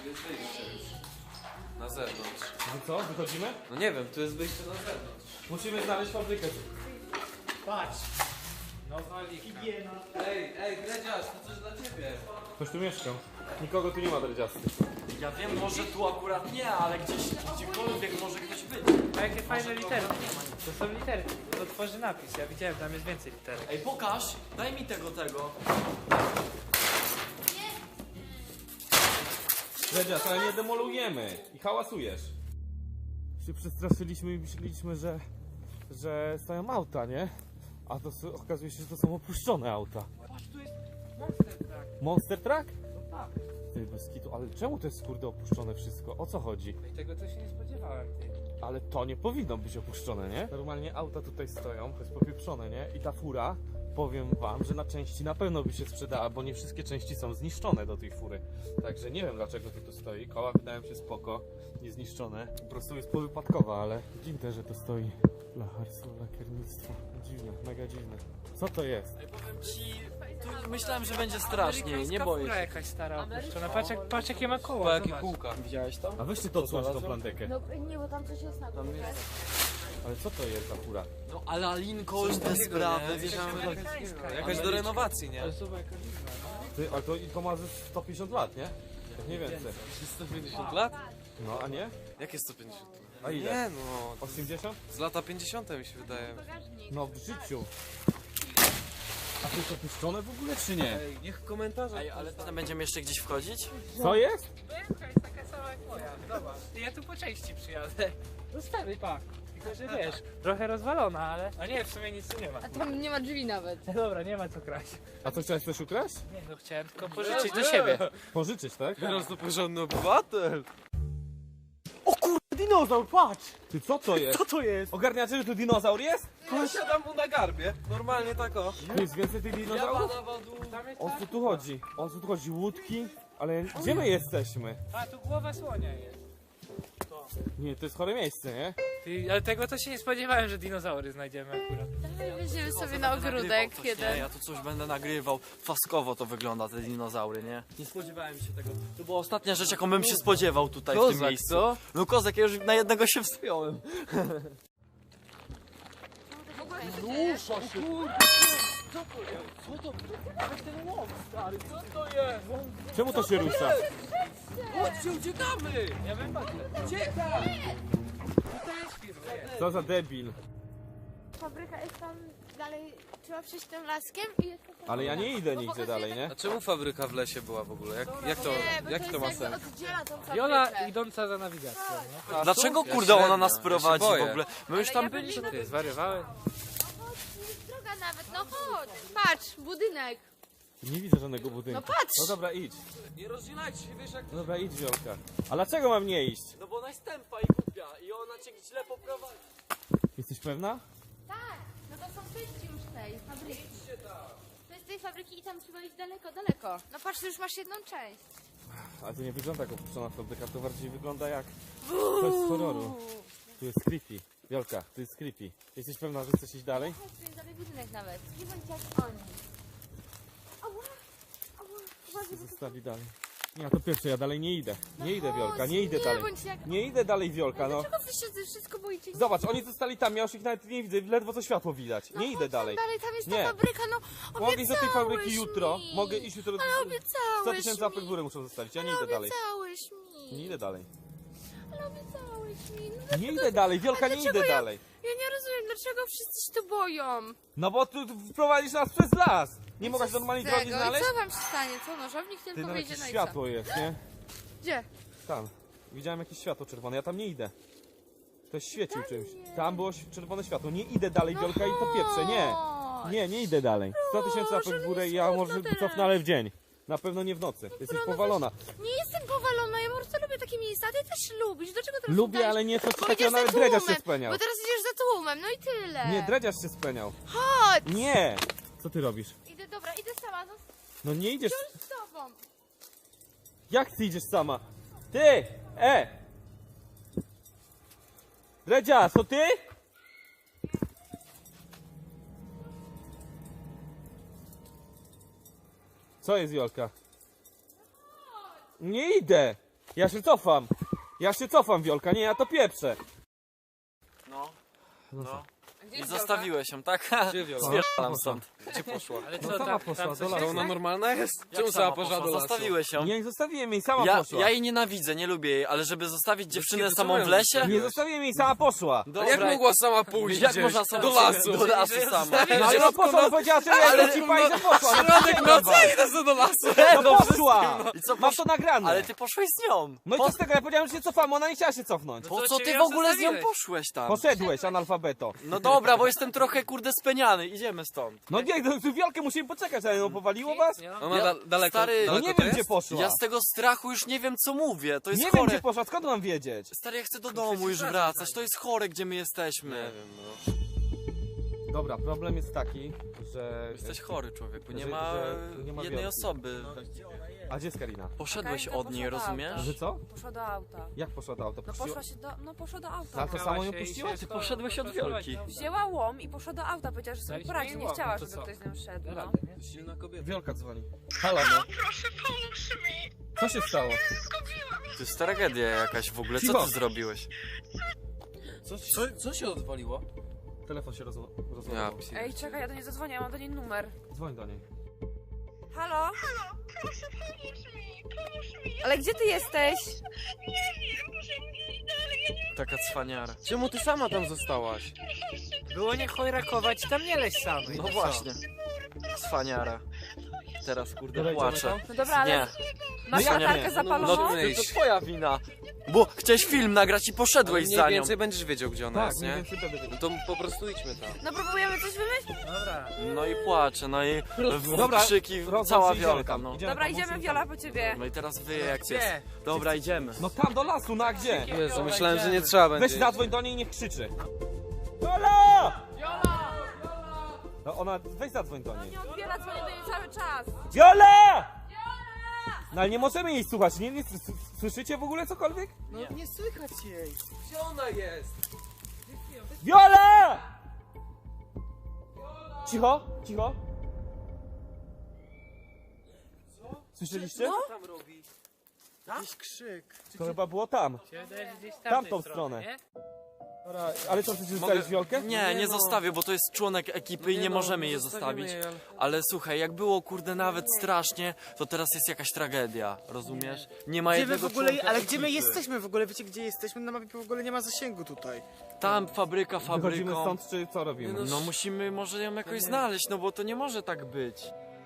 [SPEAKER 10] Na zewnątrz.
[SPEAKER 1] No co, wychodzimy?
[SPEAKER 10] No nie wiem, tu jest wyjście na zewnątrz.
[SPEAKER 1] Musimy znaleźć fabrykę.
[SPEAKER 4] Patrz. Nowa lika.
[SPEAKER 10] Ej, ej, Gredziarz, to coś dla ciebie.
[SPEAKER 1] Ktoś tu mieszkał. Nikogo tu nie ma dredziasty.
[SPEAKER 5] Ja wiem, może tu akurat nie, ale gdzieś, gdziekolwiek może ktoś być.
[SPEAKER 4] A jakie fajne literki. To są literki. To tworzy napis. Ja widziałem, tam jest więcej literek.
[SPEAKER 5] Ej, pokaż, daj mi tego, tego.
[SPEAKER 1] Dredzias, ale nie demolujemy i hałasujesz. Się przestraszyliśmy i myśleliśmy, że, że stoją auta, nie? A to s- okazuje się, że to są opuszczone auta.
[SPEAKER 4] Patrz, tu jest monster truck.
[SPEAKER 1] Monster Truck?
[SPEAKER 4] No tak.
[SPEAKER 1] Ty, bez kitu, ale czemu to jest kurde opuszczone wszystko? O co chodzi?
[SPEAKER 4] I tego to się nie spodziewałem, ty.
[SPEAKER 1] Ale to nie powinno być opuszczone, nie? Normalnie auta tutaj stoją, to jest popieprzone, nie? I ta fura, powiem wam, że na części na pewno by się sprzedała, bo nie wszystkie części są zniszczone do tej fury. Także nie wiem dlaczego to tu stoi. Koła wydają się spoko, niezniszczone. Po prostu jest powypadkowa, ale dziwne, że to stoi. Lacharstwo, lakiernictwo. Dziwne, mega dziwne. Co to jest?
[SPEAKER 5] Ej, powiem ci, tu myślałem, że będzie straszniej, nie boję
[SPEAKER 4] Fura
[SPEAKER 5] się.
[SPEAKER 4] jakaś stara opuszczona. Patrz, jak, patrz jakie ma
[SPEAKER 10] Po
[SPEAKER 4] koła,
[SPEAKER 10] jakie
[SPEAKER 4] zobacz.
[SPEAKER 10] kółka.
[SPEAKER 5] Widziałeś to?
[SPEAKER 1] A weźcie to odsłonić tą plantekę.
[SPEAKER 2] No nie, bo tam coś jest na górze.
[SPEAKER 1] Ale co to jest za fura?
[SPEAKER 5] No ale Alinko, już te sprawy, wiesz,
[SPEAKER 4] Amerykańska.
[SPEAKER 10] Jakaś do renowacji, nie?
[SPEAKER 4] Ale zobacz jaka liczba.
[SPEAKER 1] Ty, ale to, i to ma ze sto pięćdziesiąt lat, nie? Jak nie więcej.
[SPEAKER 10] sto pięćdziesiąt lat?
[SPEAKER 1] No, a nie?
[SPEAKER 10] Jakie sto pięćdziesiąt?
[SPEAKER 1] A ile?
[SPEAKER 10] Nie no,
[SPEAKER 1] osiemdziesiąt?
[SPEAKER 10] z lata pięćdziesiąte mi się wydaje.
[SPEAKER 1] No, w życiu. A to jest opuszczone w ogóle, czy nie?
[SPEAKER 10] Ej, niech komentarze.
[SPEAKER 5] Ej, ale tam będziemy jeszcze gdzieś wchodzić?
[SPEAKER 1] Co jest?
[SPEAKER 4] Wielka jest taka sama jak moja, zobacz. Ja tu po części przyjadę. No stary, pak. Tylko, że wiesz, trochę rozwalona, ale... A nie, w sumie nic tu nie ma.
[SPEAKER 2] A tam nie ma drzwi nawet.
[SPEAKER 4] No dobra, nie ma co kraść.
[SPEAKER 1] A co, chciałeś coś ukraść?
[SPEAKER 4] Nie no, chciałem tylko pożyczyć do siebie.
[SPEAKER 1] Pożyczyć, tak?
[SPEAKER 10] Teraz to porządny obywatel.
[SPEAKER 9] dinozaur, patrz!
[SPEAKER 1] Ty co to jest?
[SPEAKER 9] Co to jest?
[SPEAKER 1] Ogarniacie, że tu dinozaur jest?
[SPEAKER 10] Ja siadam mu na garbie. Normalnie tak o.
[SPEAKER 1] Tu jest więcej tych dinozaurów?
[SPEAKER 4] Tam jest
[SPEAKER 1] O co tu chodzi? O co tu chodzi? Łódki? Ale gdzie my jesteśmy?
[SPEAKER 4] A, tu głowa słonia jest.
[SPEAKER 1] Nie, to jest chore miejsce, nie?
[SPEAKER 4] Ty, ale tego to się nie spodziewałem, że dinozaury znajdziemy akurat.
[SPEAKER 2] Weźmiemy sobie na ogródek
[SPEAKER 5] Coś, nie,
[SPEAKER 2] jeden.
[SPEAKER 5] ja tu coś będę nagrywał. Faskowo to wygląda, te dinozaury, nie? Nie spodziewałem się tego. To była ostatnia rzecz, jaką bym się spodziewał tutaj w tym
[SPEAKER 10] Kozak,
[SPEAKER 5] miejscu.
[SPEAKER 10] co?
[SPEAKER 5] No kozak, ja już na jednego się wspiąłem.
[SPEAKER 1] Czemu to się rusza?
[SPEAKER 10] Chodźcie, uciekamy!
[SPEAKER 4] Ja bym patrzył.
[SPEAKER 1] Co za debil.
[SPEAKER 2] Fabryka jest tam dalej, trzeba przejść tym laskiem i jest tam...
[SPEAKER 1] Ale ja nie idę nigdzie dalej, nie?
[SPEAKER 10] A czemu fabryka w lesie była w ogóle? Jak, jak to,
[SPEAKER 2] Nie, bo
[SPEAKER 10] jaki to ma
[SPEAKER 2] jest jakby
[SPEAKER 10] sens?
[SPEAKER 2] oddziela tą fabrykę.
[SPEAKER 4] Wiola idąca za nawigacją, nie?
[SPEAKER 5] Dlaczego
[SPEAKER 10] Ja
[SPEAKER 5] kurde ona
[SPEAKER 10] średnio,
[SPEAKER 5] nas
[SPEAKER 10] ja się
[SPEAKER 5] prowadzi w
[SPEAKER 10] boję.
[SPEAKER 5] ogóle? My już
[SPEAKER 2] Ale
[SPEAKER 5] tam
[SPEAKER 2] ja bym
[SPEAKER 5] byliśmy.
[SPEAKER 4] Ty, zwariowałeś?
[SPEAKER 2] No chodź, tu jest droga nawet, no chodź. Patrz, budynek.
[SPEAKER 1] Nie widzę żadnego budynku.
[SPEAKER 2] No patrz.
[SPEAKER 1] No dobra, idź.
[SPEAKER 10] Nie rozdzielajcie się, wiesz jak...
[SPEAKER 1] No dobra, idź, Wiolka. A dlaczego mam nie iść?
[SPEAKER 5] No bo ona jest tępa i głupia i ona cię źle poprowadzi.
[SPEAKER 1] Jesteś pewna?
[SPEAKER 2] Tak, no to są części już tej fabryki. To jest tej fabryki i tam trzeba iść daleko, daleko. No patrz, tu już masz jedną część.
[SPEAKER 1] Ale to nie wygląda jak opuszczona fabryka, to bardziej wygląda jak coś z horroru. Tu jest creepy. Wiolka, tu jest creepy. Jesteś pewna, że chcesz iść dalej?
[SPEAKER 2] Chodź, tu jest dalej budynek nawet. Nie bądź jak oni. Ała, ała, uważaj, bo to...
[SPEAKER 1] Zostawi dalej. Nie, to pierwsze, ja dalej nie idę. Nie idę,
[SPEAKER 2] chodź,
[SPEAKER 1] Wiolka, nie idę
[SPEAKER 2] nie
[SPEAKER 1] dalej.
[SPEAKER 2] bądź jak-
[SPEAKER 1] Nie idę dalej, Wiolka, no.
[SPEAKER 2] Dlaczego wy się ze wszystko boicie? Nie
[SPEAKER 1] Zobacz, oni zostali tam, ja już ich nawet nie widzę, ledwo co światło widać.
[SPEAKER 2] No
[SPEAKER 1] Nie
[SPEAKER 2] chodź
[SPEAKER 1] idę
[SPEAKER 2] tam
[SPEAKER 1] dalej.
[SPEAKER 2] dalej, tam jest
[SPEAKER 1] Nie.
[SPEAKER 2] ta fabryka, no
[SPEAKER 1] Mogę iść do tej fabryki
[SPEAKER 2] obiecałeś
[SPEAKER 1] jutro.
[SPEAKER 2] mi.
[SPEAKER 1] Mogę iść jutro.
[SPEAKER 2] Ale obiecałeś
[SPEAKER 1] sto tysięcy łapek w
[SPEAKER 2] mi.
[SPEAKER 1] górę muszą zostawić, ja nie
[SPEAKER 2] Ale
[SPEAKER 1] idę dalej.
[SPEAKER 2] obiecałeś mi.
[SPEAKER 1] Nie idę dalej.
[SPEAKER 2] Ale obiecałeś mi. No,
[SPEAKER 1] Nie idę dalej, Wiolka, nie
[SPEAKER 2] dlaczego
[SPEAKER 1] idę
[SPEAKER 2] ja-
[SPEAKER 1] dalej.
[SPEAKER 2] ja nie rozumiem, dlaczego wszyscy się tu boją.
[SPEAKER 1] No bo tu prowadzisz nas przez las. Nie mogłaś normalnej
[SPEAKER 2] Z
[SPEAKER 1] drogi
[SPEAKER 2] tego.
[SPEAKER 1] znaleźć?
[SPEAKER 2] I co wam się stanie? Co, nożownik
[SPEAKER 1] Ty,
[SPEAKER 2] tylko
[SPEAKER 1] no
[SPEAKER 2] wyjdzie
[SPEAKER 1] jakieś
[SPEAKER 2] na
[SPEAKER 1] światło jest, nie?
[SPEAKER 2] Gdzie?
[SPEAKER 1] Tam. Widziałem jakieś światło czerwone, ja tam nie idę. Ktoś świecił czymś. Tam było ś- czerwone światło. Nie idę dalej,
[SPEAKER 2] No
[SPEAKER 1] Wiolka, i to pieprze, nie.
[SPEAKER 2] chodź.
[SPEAKER 1] Nie, nie idę dalej. sto tysięcy łapek w górę i ja
[SPEAKER 2] smutno
[SPEAKER 1] może
[SPEAKER 2] teraz.
[SPEAKER 1] cofnę, ale w dzień. Na pewno nie w nocy. Jesteś
[SPEAKER 2] no
[SPEAKER 1] powalona.
[SPEAKER 2] Nie jestem powalona, ja po prostu lubię takie miejsca, a ty też lubisz. Dlaczego teraz
[SPEAKER 1] Lubię,
[SPEAKER 2] udajesz-
[SPEAKER 1] ale nie coś
[SPEAKER 2] Bo
[SPEAKER 1] takiego,
[SPEAKER 2] idziesz za
[SPEAKER 1] nawet dredziarz się
[SPEAKER 2] tłumem,
[SPEAKER 1] speniał.
[SPEAKER 2] Bo teraz idziesz za tłumem, no i tyle.
[SPEAKER 1] Nie, dredziarz się speniał.
[SPEAKER 2] Chodź!
[SPEAKER 1] Nie! Co ty robisz?
[SPEAKER 2] Idę, dobra, idę sama, no
[SPEAKER 1] No nie idziesz.
[SPEAKER 2] z tobą.
[SPEAKER 1] Jak ty idziesz sama? Ty! E! Dredziarz, to ty? Co jest, Jolka? Nie idę! Ja się cofam! Ja się cofam, Wiolka, nie, ja to pieprzę!
[SPEAKER 5] No, no.
[SPEAKER 4] Gdzie
[SPEAKER 5] I
[SPEAKER 4] jest
[SPEAKER 5] zostawiłeś ją, tak?
[SPEAKER 10] Gdzie Wiola?
[SPEAKER 5] Spierdalam stąd.
[SPEAKER 10] Gdzie poszła?
[SPEAKER 4] Ale co,
[SPEAKER 1] No sama
[SPEAKER 4] tam,
[SPEAKER 1] poszła
[SPEAKER 4] tam
[SPEAKER 1] do
[SPEAKER 4] coś
[SPEAKER 1] lasu.
[SPEAKER 10] To
[SPEAKER 4] jest?
[SPEAKER 10] ona normalna jest?
[SPEAKER 5] Jak
[SPEAKER 10] Czemu
[SPEAKER 5] sama
[SPEAKER 10] sama poszła do
[SPEAKER 5] poszła?
[SPEAKER 10] lasu?
[SPEAKER 5] Zostawiłeś ją.
[SPEAKER 1] Nie zostawiłem jej, sama
[SPEAKER 5] Ja,
[SPEAKER 1] poszła!
[SPEAKER 5] ja jej nienawidzę, nie lubię jej, ale żeby zostawić dziewczynę
[SPEAKER 10] kiedy
[SPEAKER 5] samą w
[SPEAKER 10] czemu ją
[SPEAKER 5] lesie?
[SPEAKER 10] zostawiłeś?
[SPEAKER 1] Nie zostawiłem jej, sama poszła!
[SPEAKER 10] Ale jak mogła sama pójść
[SPEAKER 5] Jak
[SPEAKER 10] gdzieś?
[SPEAKER 5] można sama
[SPEAKER 10] do lasu?
[SPEAKER 5] Do lasu sama.
[SPEAKER 1] No ale no poszła, no powiedziała, że ja ci pani, że poszła! No
[SPEAKER 10] Środek
[SPEAKER 1] to
[SPEAKER 10] nocy
[SPEAKER 1] nie,
[SPEAKER 10] idę sobie do lasu!
[SPEAKER 1] no poszła!
[SPEAKER 5] I co,
[SPEAKER 1] Mam
[SPEAKER 5] posz...
[SPEAKER 1] to nagrane!
[SPEAKER 5] Ale ty poszłeś z nią.
[SPEAKER 1] No i co z tego, ja powiedziałem, że się cofamy, ona nie chciała się cofnąć.
[SPEAKER 5] Po
[SPEAKER 4] to
[SPEAKER 5] co
[SPEAKER 4] cię
[SPEAKER 5] ty
[SPEAKER 4] ją
[SPEAKER 5] w ogóle z nią
[SPEAKER 4] zostawiłeś.
[SPEAKER 5] poszłeś tam?
[SPEAKER 1] Poszedłeś, analfabeto.
[SPEAKER 5] No dobra, bo jestem trochę kurde speniany, idziemy stąd.
[SPEAKER 1] No nie, no, tu Wiolkę musimy poczekać, ale no powaliło was?
[SPEAKER 4] Nie, no.
[SPEAKER 10] Ona
[SPEAKER 5] Ja-
[SPEAKER 10] da daleko,
[SPEAKER 5] stary,
[SPEAKER 1] No
[SPEAKER 10] daleko
[SPEAKER 1] nie
[SPEAKER 10] to
[SPEAKER 1] wiem, gdzie
[SPEAKER 10] jest?
[SPEAKER 1] poszła.
[SPEAKER 5] Ja z tego strachu już nie wiem co mówię, to jest
[SPEAKER 1] Nie
[SPEAKER 5] chore.
[SPEAKER 1] wiem, gdzie poszła, skąd mam wiedzieć?
[SPEAKER 5] Stary, ja chcę do domu już wracać, to jest chore, gdzie my jesteśmy.
[SPEAKER 10] Nie wiem, no.
[SPEAKER 1] Dobra, problem jest taki, że...
[SPEAKER 5] Jesteś chory człowieku, nie
[SPEAKER 1] Że-
[SPEAKER 5] ma
[SPEAKER 1] że nie ma
[SPEAKER 5] jednej
[SPEAKER 1] Wiolki.
[SPEAKER 5] osoby.
[SPEAKER 1] A gdzie jest Karina?
[SPEAKER 5] Poszedłeś
[SPEAKER 7] Czekaj,
[SPEAKER 5] od niej,
[SPEAKER 7] poszła do
[SPEAKER 5] rozumiesz?
[SPEAKER 7] auta.
[SPEAKER 1] Że co?
[SPEAKER 7] Poszła do auta.
[SPEAKER 1] Jak poszła do auta?
[SPEAKER 7] No
[SPEAKER 1] Puściła-
[SPEAKER 7] poszła się do, no poszła do
[SPEAKER 1] Na
[SPEAKER 7] auta.
[SPEAKER 1] to
[SPEAKER 4] Chciała
[SPEAKER 1] samo ją
[SPEAKER 4] się i
[SPEAKER 1] puściłaś?
[SPEAKER 4] się
[SPEAKER 5] Ty poszedłeś od Wiolki.
[SPEAKER 7] Wzięła łom i poszła do auta, powiedziała, że sobie
[SPEAKER 4] Daliśmy
[SPEAKER 7] poradzi,
[SPEAKER 4] jej
[SPEAKER 7] nie
[SPEAKER 4] łom,
[SPEAKER 7] chciała,
[SPEAKER 4] no to
[SPEAKER 7] żeby
[SPEAKER 4] co?
[SPEAKER 7] ktoś z nią szedł,
[SPEAKER 4] Da
[SPEAKER 7] no.
[SPEAKER 4] radę, nie?
[SPEAKER 10] Silna kobieta.
[SPEAKER 1] Wiolka dzwoni. Halo, no.
[SPEAKER 3] Proszę, pomóż mi.
[SPEAKER 1] Co się stało?
[SPEAKER 3] Zgubiłam.
[SPEAKER 5] To jest tragedia jakaś w ogóle, co
[SPEAKER 1] Cicho.
[SPEAKER 5] ty zrobiłeś?
[SPEAKER 10] Co, co, co się odwaliło?
[SPEAKER 1] Telefon się roz...
[SPEAKER 10] Ja,
[SPEAKER 1] rozładował.
[SPEAKER 10] psi.
[SPEAKER 7] Ej, czekaj, ja do niej zadzwonię, ja mam do niej numer.
[SPEAKER 1] Dzwoń do niej.
[SPEAKER 7] Halo?
[SPEAKER 3] Halo, proszę, pomóż mi. Pomóż mi.
[SPEAKER 7] Ale gdzie ty jesteś?
[SPEAKER 3] Nie wiem, muszę iść dalej. Ja nie
[SPEAKER 5] Taka cwaniara.
[SPEAKER 10] Czemu ty sama tam zostałaś?
[SPEAKER 4] Było nie chojrakować, tam nie leź samej.
[SPEAKER 5] No
[SPEAKER 4] co?
[SPEAKER 5] właśnie. Cwaniara. Teraz kurde
[SPEAKER 1] Dobra, idziemy
[SPEAKER 5] płaczę.
[SPEAKER 1] tam?
[SPEAKER 7] No dobra, ale
[SPEAKER 5] Nie,
[SPEAKER 7] masz
[SPEAKER 1] No ja
[SPEAKER 7] latarkę
[SPEAKER 1] nie.
[SPEAKER 7] zapaloną?
[SPEAKER 5] no to, to twoja wina. Bo chciałeś film nagrać i poszedłeś
[SPEAKER 10] Mniej
[SPEAKER 5] za nią.
[SPEAKER 10] więcej będziesz wiedział, gdzie ona
[SPEAKER 1] Tak,
[SPEAKER 10] jest,
[SPEAKER 1] mniej
[SPEAKER 10] nie?
[SPEAKER 1] więcej będę wiedział.
[SPEAKER 10] No to po prostu idźmy tam.
[SPEAKER 7] No próbujemy coś wymyślić?
[SPEAKER 4] Dobra.
[SPEAKER 5] No i płacze, no i w-
[SPEAKER 1] Dobra,
[SPEAKER 5] krzyki,
[SPEAKER 1] Rozłącz
[SPEAKER 5] cała
[SPEAKER 1] się, idziemy
[SPEAKER 5] wiolka,
[SPEAKER 1] tam,
[SPEAKER 5] no.
[SPEAKER 1] idziemy
[SPEAKER 7] Dobra,
[SPEAKER 1] tam,
[SPEAKER 7] idziemy
[SPEAKER 1] musimy
[SPEAKER 7] Wiola
[SPEAKER 1] tam.
[SPEAKER 7] po ciebie.
[SPEAKER 5] No i teraz wyje jak
[SPEAKER 4] Gdzie?
[SPEAKER 5] pies. Dobra, idziemy.
[SPEAKER 1] No tam do lasu, no a gdzie?
[SPEAKER 10] Jezu, myślałem, że nie trzeba będzie.
[SPEAKER 1] Weź zadzwoń do niej i niech krzyczy. Viola! No ona, weź zadzwoń do niej.
[SPEAKER 7] Nie odbiera, dzwonię do niej cały czas.
[SPEAKER 1] Viola! No ale nie możemy jej słuchać, nie, nie s- s- słyszycie w ogóle cokolwiek?
[SPEAKER 9] No nie słychać jej.
[SPEAKER 10] Gdzie ona jest?
[SPEAKER 1] Viola! Cicho, cicho. Słyszeliście?
[SPEAKER 10] Co tam robi?
[SPEAKER 9] Jakiś krzyk.
[SPEAKER 1] To chyba było tam.
[SPEAKER 4] Się wydaje, że gdzieś w
[SPEAKER 1] Tamtą
[SPEAKER 4] tamtej
[SPEAKER 1] stronę.
[SPEAKER 4] nie?
[SPEAKER 1] Dobra, ale co, chcesz zostawić Wiolkę?
[SPEAKER 5] Nie, nie zostawię, bo to jest członek ekipy i nie
[SPEAKER 10] no,
[SPEAKER 5] możemy
[SPEAKER 10] nie
[SPEAKER 5] je
[SPEAKER 10] zostawimy
[SPEAKER 5] zostawić.
[SPEAKER 10] jej, ale-
[SPEAKER 5] Ale słuchaj, jak było kurde nawet strasznie, to teraz jest jakaś tragedia, rozumiesz? Nie ma
[SPEAKER 9] Gdzie my
[SPEAKER 5] jednego
[SPEAKER 9] w ogóle,
[SPEAKER 5] członka
[SPEAKER 9] ale gdzie my
[SPEAKER 5] ekipy.
[SPEAKER 9] jesteśmy w ogóle? Wiecie gdzie jesteśmy? Na mapie w ogóle nie ma zasięgu tutaj.
[SPEAKER 5] Tam fabryka
[SPEAKER 1] Wychodzimy
[SPEAKER 5] fabryką.
[SPEAKER 1] stąd, czy co robimy?
[SPEAKER 5] No musimy może ją jakoś znaleźć, no bo to nie może tak być.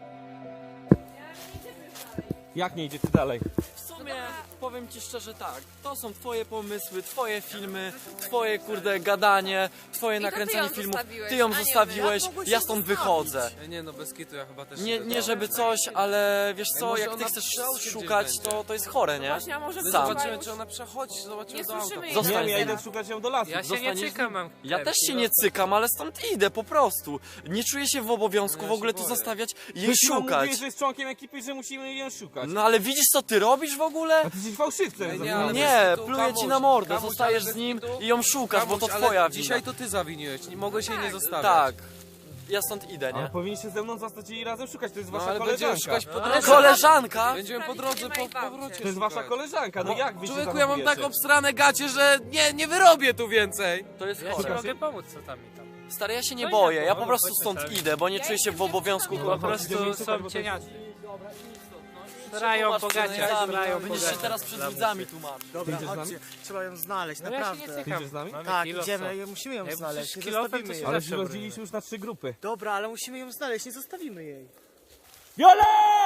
[SPEAKER 1] Jak nie idziecie dalej?
[SPEAKER 5] W sumie powiem ci szczerze tak, to są twoje pomysły, twoje filmy, twoje kurde gadanie, twoje
[SPEAKER 7] I to ty
[SPEAKER 5] nakręcanie
[SPEAKER 7] ją
[SPEAKER 5] filmów.
[SPEAKER 7] zostawiłeś,
[SPEAKER 5] Ty ją
[SPEAKER 7] a nie my.
[SPEAKER 5] zostawiłeś,
[SPEAKER 9] Jak mogłeś
[SPEAKER 5] ja
[SPEAKER 9] ją
[SPEAKER 5] stąd
[SPEAKER 9] zostawić?
[SPEAKER 5] wychodzę.
[SPEAKER 10] E, Nie no, bez kitu, ja chyba też
[SPEAKER 5] Nie,
[SPEAKER 10] idę
[SPEAKER 5] nie
[SPEAKER 10] tam.
[SPEAKER 5] żeby coś, ale wiesz co,
[SPEAKER 10] może
[SPEAKER 5] jak ty
[SPEAKER 10] ona
[SPEAKER 5] chcesz
[SPEAKER 10] przy aucie
[SPEAKER 5] szukać,
[SPEAKER 10] gdzieś
[SPEAKER 5] to,
[SPEAKER 10] będzie.
[SPEAKER 5] to jest chore, nie?
[SPEAKER 7] Właśnie, a może
[SPEAKER 5] Sam.
[SPEAKER 10] Zobaczymy, czy ona przechodzi, zobaczymy
[SPEAKER 7] Nie
[SPEAKER 10] do auta.
[SPEAKER 7] słyszymy jej.
[SPEAKER 5] Zostań.
[SPEAKER 1] Nie wiem, ja
[SPEAKER 7] Zostań.
[SPEAKER 1] idę szukać ją do lasu.
[SPEAKER 4] Ja się
[SPEAKER 5] Zostaniesz-
[SPEAKER 4] nie cykam, mam
[SPEAKER 5] Ja
[SPEAKER 4] chleb.
[SPEAKER 5] też się nie cykam, ale stąd idę po prostu. Nie czuję się w obowiązku
[SPEAKER 10] Ja
[SPEAKER 5] w ogóle
[SPEAKER 10] się
[SPEAKER 5] tu
[SPEAKER 10] boję.
[SPEAKER 5] zostawiać i jej
[SPEAKER 1] Ktoś wam
[SPEAKER 5] szukać.
[SPEAKER 1] mówi, że jest członkiem ekipy, że musimy ją szukać.
[SPEAKER 5] No ale widzisz co ty robisz w ogóle?
[SPEAKER 1] A ty jesteś fałszywcem.
[SPEAKER 10] Nie,
[SPEAKER 1] za-
[SPEAKER 10] nie, ale
[SPEAKER 5] Nie,
[SPEAKER 10] bez kitu,
[SPEAKER 5] pluję ci
[SPEAKER 10] Kamuś,
[SPEAKER 5] na mordę,
[SPEAKER 10] Kamuś,
[SPEAKER 5] zostajesz
[SPEAKER 10] ale
[SPEAKER 5] z
[SPEAKER 10] bez
[SPEAKER 5] nim
[SPEAKER 10] kitu.
[SPEAKER 5] i ją szukasz, bo to
[SPEAKER 10] Kamuś, ale
[SPEAKER 5] twoja wina.
[SPEAKER 10] dzisiaj to ty zawiniłeś, nie mogłeś jej nie zostawiać.
[SPEAKER 5] Tak, ja stąd idę,
[SPEAKER 1] Ale
[SPEAKER 5] nie?
[SPEAKER 1] powinniście ze mną zostać i razem szukać, to jest
[SPEAKER 10] No
[SPEAKER 1] wasza
[SPEAKER 10] ale będziemy
[SPEAKER 1] koleżanka.
[SPEAKER 10] szukać po
[SPEAKER 4] No,
[SPEAKER 10] drodze.
[SPEAKER 5] Koleżanka?
[SPEAKER 10] Będziemy po drodze, po powrocie
[SPEAKER 1] To jest wasza
[SPEAKER 10] szukać.
[SPEAKER 1] koleżanka, no jak wy się
[SPEAKER 10] Człowieku, ja mam
[SPEAKER 1] zachowujecie?
[SPEAKER 10] tak obstrane gacie, że nie, nie wyrobię tu więcej.
[SPEAKER 5] To jest
[SPEAKER 4] Ja ci
[SPEAKER 5] chore.
[SPEAKER 4] mogę pomóc, co tam i tam.
[SPEAKER 5] Stary, ja się nie
[SPEAKER 4] No i
[SPEAKER 5] boję,
[SPEAKER 4] tak,
[SPEAKER 5] ja
[SPEAKER 4] no,
[SPEAKER 5] po prostu
[SPEAKER 4] chodźmy
[SPEAKER 5] stąd
[SPEAKER 4] sami.
[SPEAKER 5] idę, bo nie czuję się w obowiązku.
[SPEAKER 4] Po
[SPEAKER 1] Idziemy
[SPEAKER 4] prostu
[SPEAKER 1] szukać, bo to
[SPEAKER 4] są
[SPEAKER 1] jest-
[SPEAKER 4] cieniacy. Starają pogaciać,
[SPEAKER 5] Widzami,
[SPEAKER 4] starają
[SPEAKER 5] Będziesz się
[SPEAKER 4] pogaciać.
[SPEAKER 5] teraz przed
[SPEAKER 4] Dla
[SPEAKER 5] widzami
[SPEAKER 4] muszy.
[SPEAKER 5] tłumaczyć.
[SPEAKER 9] Dobra,
[SPEAKER 1] Idziesz z nami?
[SPEAKER 9] chodźcie. Trzeba ją znaleźć,
[SPEAKER 4] No ja się nie
[SPEAKER 9] naprawdę.
[SPEAKER 4] cykam.
[SPEAKER 1] Idziesz z nami?
[SPEAKER 4] Mamy
[SPEAKER 9] Tak,
[SPEAKER 4] kilo,
[SPEAKER 9] idziemy,
[SPEAKER 4] co?
[SPEAKER 9] musimy ją
[SPEAKER 4] Jak
[SPEAKER 9] znaleźć,
[SPEAKER 4] przecież
[SPEAKER 9] nie
[SPEAKER 4] kilofem,
[SPEAKER 9] zostawimy
[SPEAKER 4] to
[SPEAKER 9] jej.
[SPEAKER 4] się
[SPEAKER 1] Ale
[SPEAKER 4] zawsze
[SPEAKER 1] się
[SPEAKER 4] broni.
[SPEAKER 1] rozdzieliliśmy już na trzy grupy.
[SPEAKER 9] Dobra, ale musimy ją znaleźć, nie zostawimy jej.
[SPEAKER 1] Viola!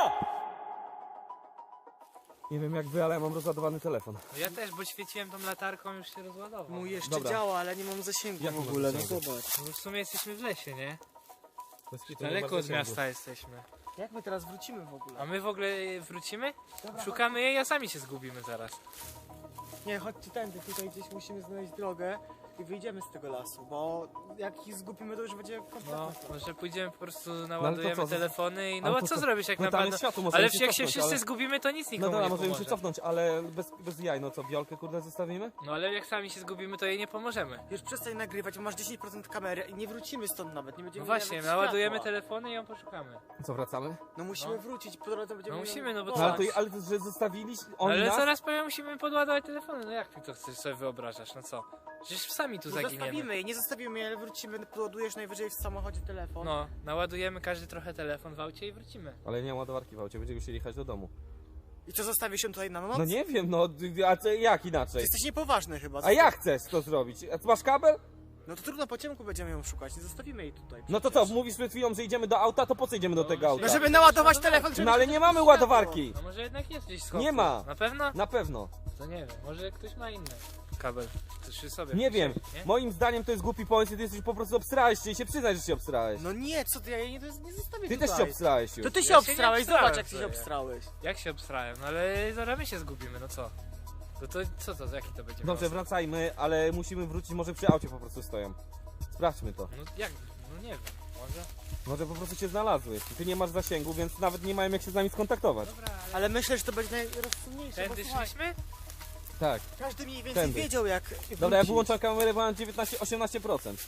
[SPEAKER 1] Nie wiem jak wy, ale ja mam rozładowany telefon.
[SPEAKER 4] No ja też, bo świeciłem tą latarką, już się rozładował.
[SPEAKER 9] Mój jeszcze
[SPEAKER 1] Dobra.
[SPEAKER 9] działa, ale nie mam zasięgu
[SPEAKER 1] Jak
[SPEAKER 9] w
[SPEAKER 1] nie masz
[SPEAKER 9] ogóle, no
[SPEAKER 1] zasięgu?
[SPEAKER 9] zobacz.
[SPEAKER 4] No w sumie jesteśmy w lesie, nie?
[SPEAKER 1] Bez kitu,
[SPEAKER 4] Daleko
[SPEAKER 1] nie
[SPEAKER 4] od
[SPEAKER 1] bardzo
[SPEAKER 4] miasta jesteśmy.
[SPEAKER 9] Jak my teraz wrócimy w ogóle?
[SPEAKER 4] A my w ogóle wrócimy? Szukamy jej, a sami się zgubimy zaraz.
[SPEAKER 9] Nie, chodźcie tędy, tutaj gdzieś musimy znaleźć drogę i wyjdziemy z tego lasu, bo jak ich zgubimy, to już będzie kompletna
[SPEAKER 4] No,
[SPEAKER 9] strata.
[SPEAKER 4] może pójdziemy po prostu,
[SPEAKER 1] ale
[SPEAKER 4] naładujemy
[SPEAKER 1] to co?
[SPEAKER 4] telefony i... No
[SPEAKER 1] Ale
[SPEAKER 4] bo
[SPEAKER 1] to
[SPEAKER 4] co
[SPEAKER 1] co?
[SPEAKER 4] zrobisz jak
[SPEAKER 1] No tam
[SPEAKER 4] napadną?
[SPEAKER 1] jest światło, możemy
[SPEAKER 4] Ale
[SPEAKER 1] się
[SPEAKER 4] jak się
[SPEAKER 1] cofnąć,
[SPEAKER 4] wszyscy
[SPEAKER 1] ale-
[SPEAKER 4] zgubimy, to nic
[SPEAKER 1] No
[SPEAKER 4] nikomu
[SPEAKER 1] dobra,
[SPEAKER 4] nie
[SPEAKER 1] możemy się
[SPEAKER 4] pomoże.
[SPEAKER 1] cofnąć, ale bez, bez jaj, no co, Wiolkę kurde zostawimy?
[SPEAKER 4] No ale jak sami się zgubimy, to jej nie pomożemy.
[SPEAKER 9] Już przestań nagrywać, bo masz dziesięć procent kamery i nie wrócimy stąd nawet, nie będziemy
[SPEAKER 4] No właśnie,
[SPEAKER 9] mieli nawet
[SPEAKER 4] naładujemy
[SPEAKER 9] światła.
[SPEAKER 4] telefony i ją poszukamy.
[SPEAKER 1] Co, wracamy?
[SPEAKER 9] No musimy
[SPEAKER 4] No.
[SPEAKER 9] wrócić, po drodze będziemy...
[SPEAKER 4] No musimy, no bo
[SPEAKER 1] No,
[SPEAKER 4] co?
[SPEAKER 1] ale, to, ale to, że zostawiliście oni
[SPEAKER 4] Ale
[SPEAKER 1] nas?
[SPEAKER 4] zaraz powiem, musimy podładować telefony, no jak ty to chcesz sobie wyobrażasz, no co? Przecież sami tu
[SPEAKER 9] No
[SPEAKER 4] zaginiemy.
[SPEAKER 9] zostawimy jej, nie zostawimy jej, ale wrócimy, podładujesz najwyżej w samochodzie telefon.
[SPEAKER 4] No, naładujemy każdy trochę telefon w aucie i wrócimy.
[SPEAKER 1] Ale nie ma ładowarki w aucie, będziemy musieli jechać do domu.
[SPEAKER 9] I co, zostawisz się tutaj na noc?
[SPEAKER 1] No nie wiem, no, a co, jak
[SPEAKER 9] Ty
[SPEAKER 1] inaczej?
[SPEAKER 9] jesteś niepoważny chyba.
[SPEAKER 1] A jak chcesz to zrobić? A ty masz kabel?
[SPEAKER 9] No to trudno, po ciemku będziemy ją szukać, nie zostawimy jej tutaj.
[SPEAKER 1] No to co, mówisz przed chwilą, że idziemy do auta, to po co idziemy do tego auta?
[SPEAKER 9] No żeby naładować telefon, żeby...
[SPEAKER 1] No ale nie mamy ładowarki!
[SPEAKER 4] No może jednak jest gdzieś schowku.
[SPEAKER 1] Nie ma.
[SPEAKER 4] Na pewno?
[SPEAKER 1] Na pewno.
[SPEAKER 4] To nie wiem, może ktoś ma inny kabel. To się sobie
[SPEAKER 1] Nie wiem.
[SPEAKER 4] wpisać, nie?
[SPEAKER 1] Moim zdaniem to jest głupi pomysł i ty jesteś po prostu obsrałeś się i się przyznaj, że się obsrałeś.
[SPEAKER 9] No nie, co ty, ja jej nie, nie zostawię
[SPEAKER 1] Ty
[SPEAKER 9] tutaj.
[SPEAKER 1] też się obsrałeś już.
[SPEAKER 9] To ty się
[SPEAKER 4] Ja się nie
[SPEAKER 9] obstrałeś,
[SPEAKER 4] obstrałem
[SPEAKER 9] zobacz jak ty się
[SPEAKER 4] sobie.
[SPEAKER 9] obstrałeś.
[SPEAKER 4] Jak się obstrałem? No ale zaraz my się zgubimy, no co? No to co to, jaki to będzie
[SPEAKER 1] Dobrze,
[SPEAKER 4] miało
[SPEAKER 1] wracajmy, ale musimy wrócić, może przy aucie po prostu stoją. Sprawdźmy to.
[SPEAKER 4] sens? No jak? No nie wiem, może?
[SPEAKER 1] Może po prostu się znalazły. Ty nie masz zasięgu, więc nawet nie mają jak się z nami skontaktować.
[SPEAKER 4] Dobra, ale...
[SPEAKER 9] Ale myślę, że to będzie najrozsądniejsze, bo
[SPEAKER 4] Tędy
[SPEAKER 9] słuchaj,
[SPEAKER 4] szliśmy?
[SPEAKER 1] Tak.
[SPEAKER 9] każdy mniej więcej
[SPEAKER 1] Tędy.
[SPEAKER 9] wiedział jak
[SPEAKER 1] Dobra, ja
[SPEAKER 9] wrócić.
[SPEAKER 1] wyłączam kamerę, bo mam dziewiętnaście osiemnaście procent.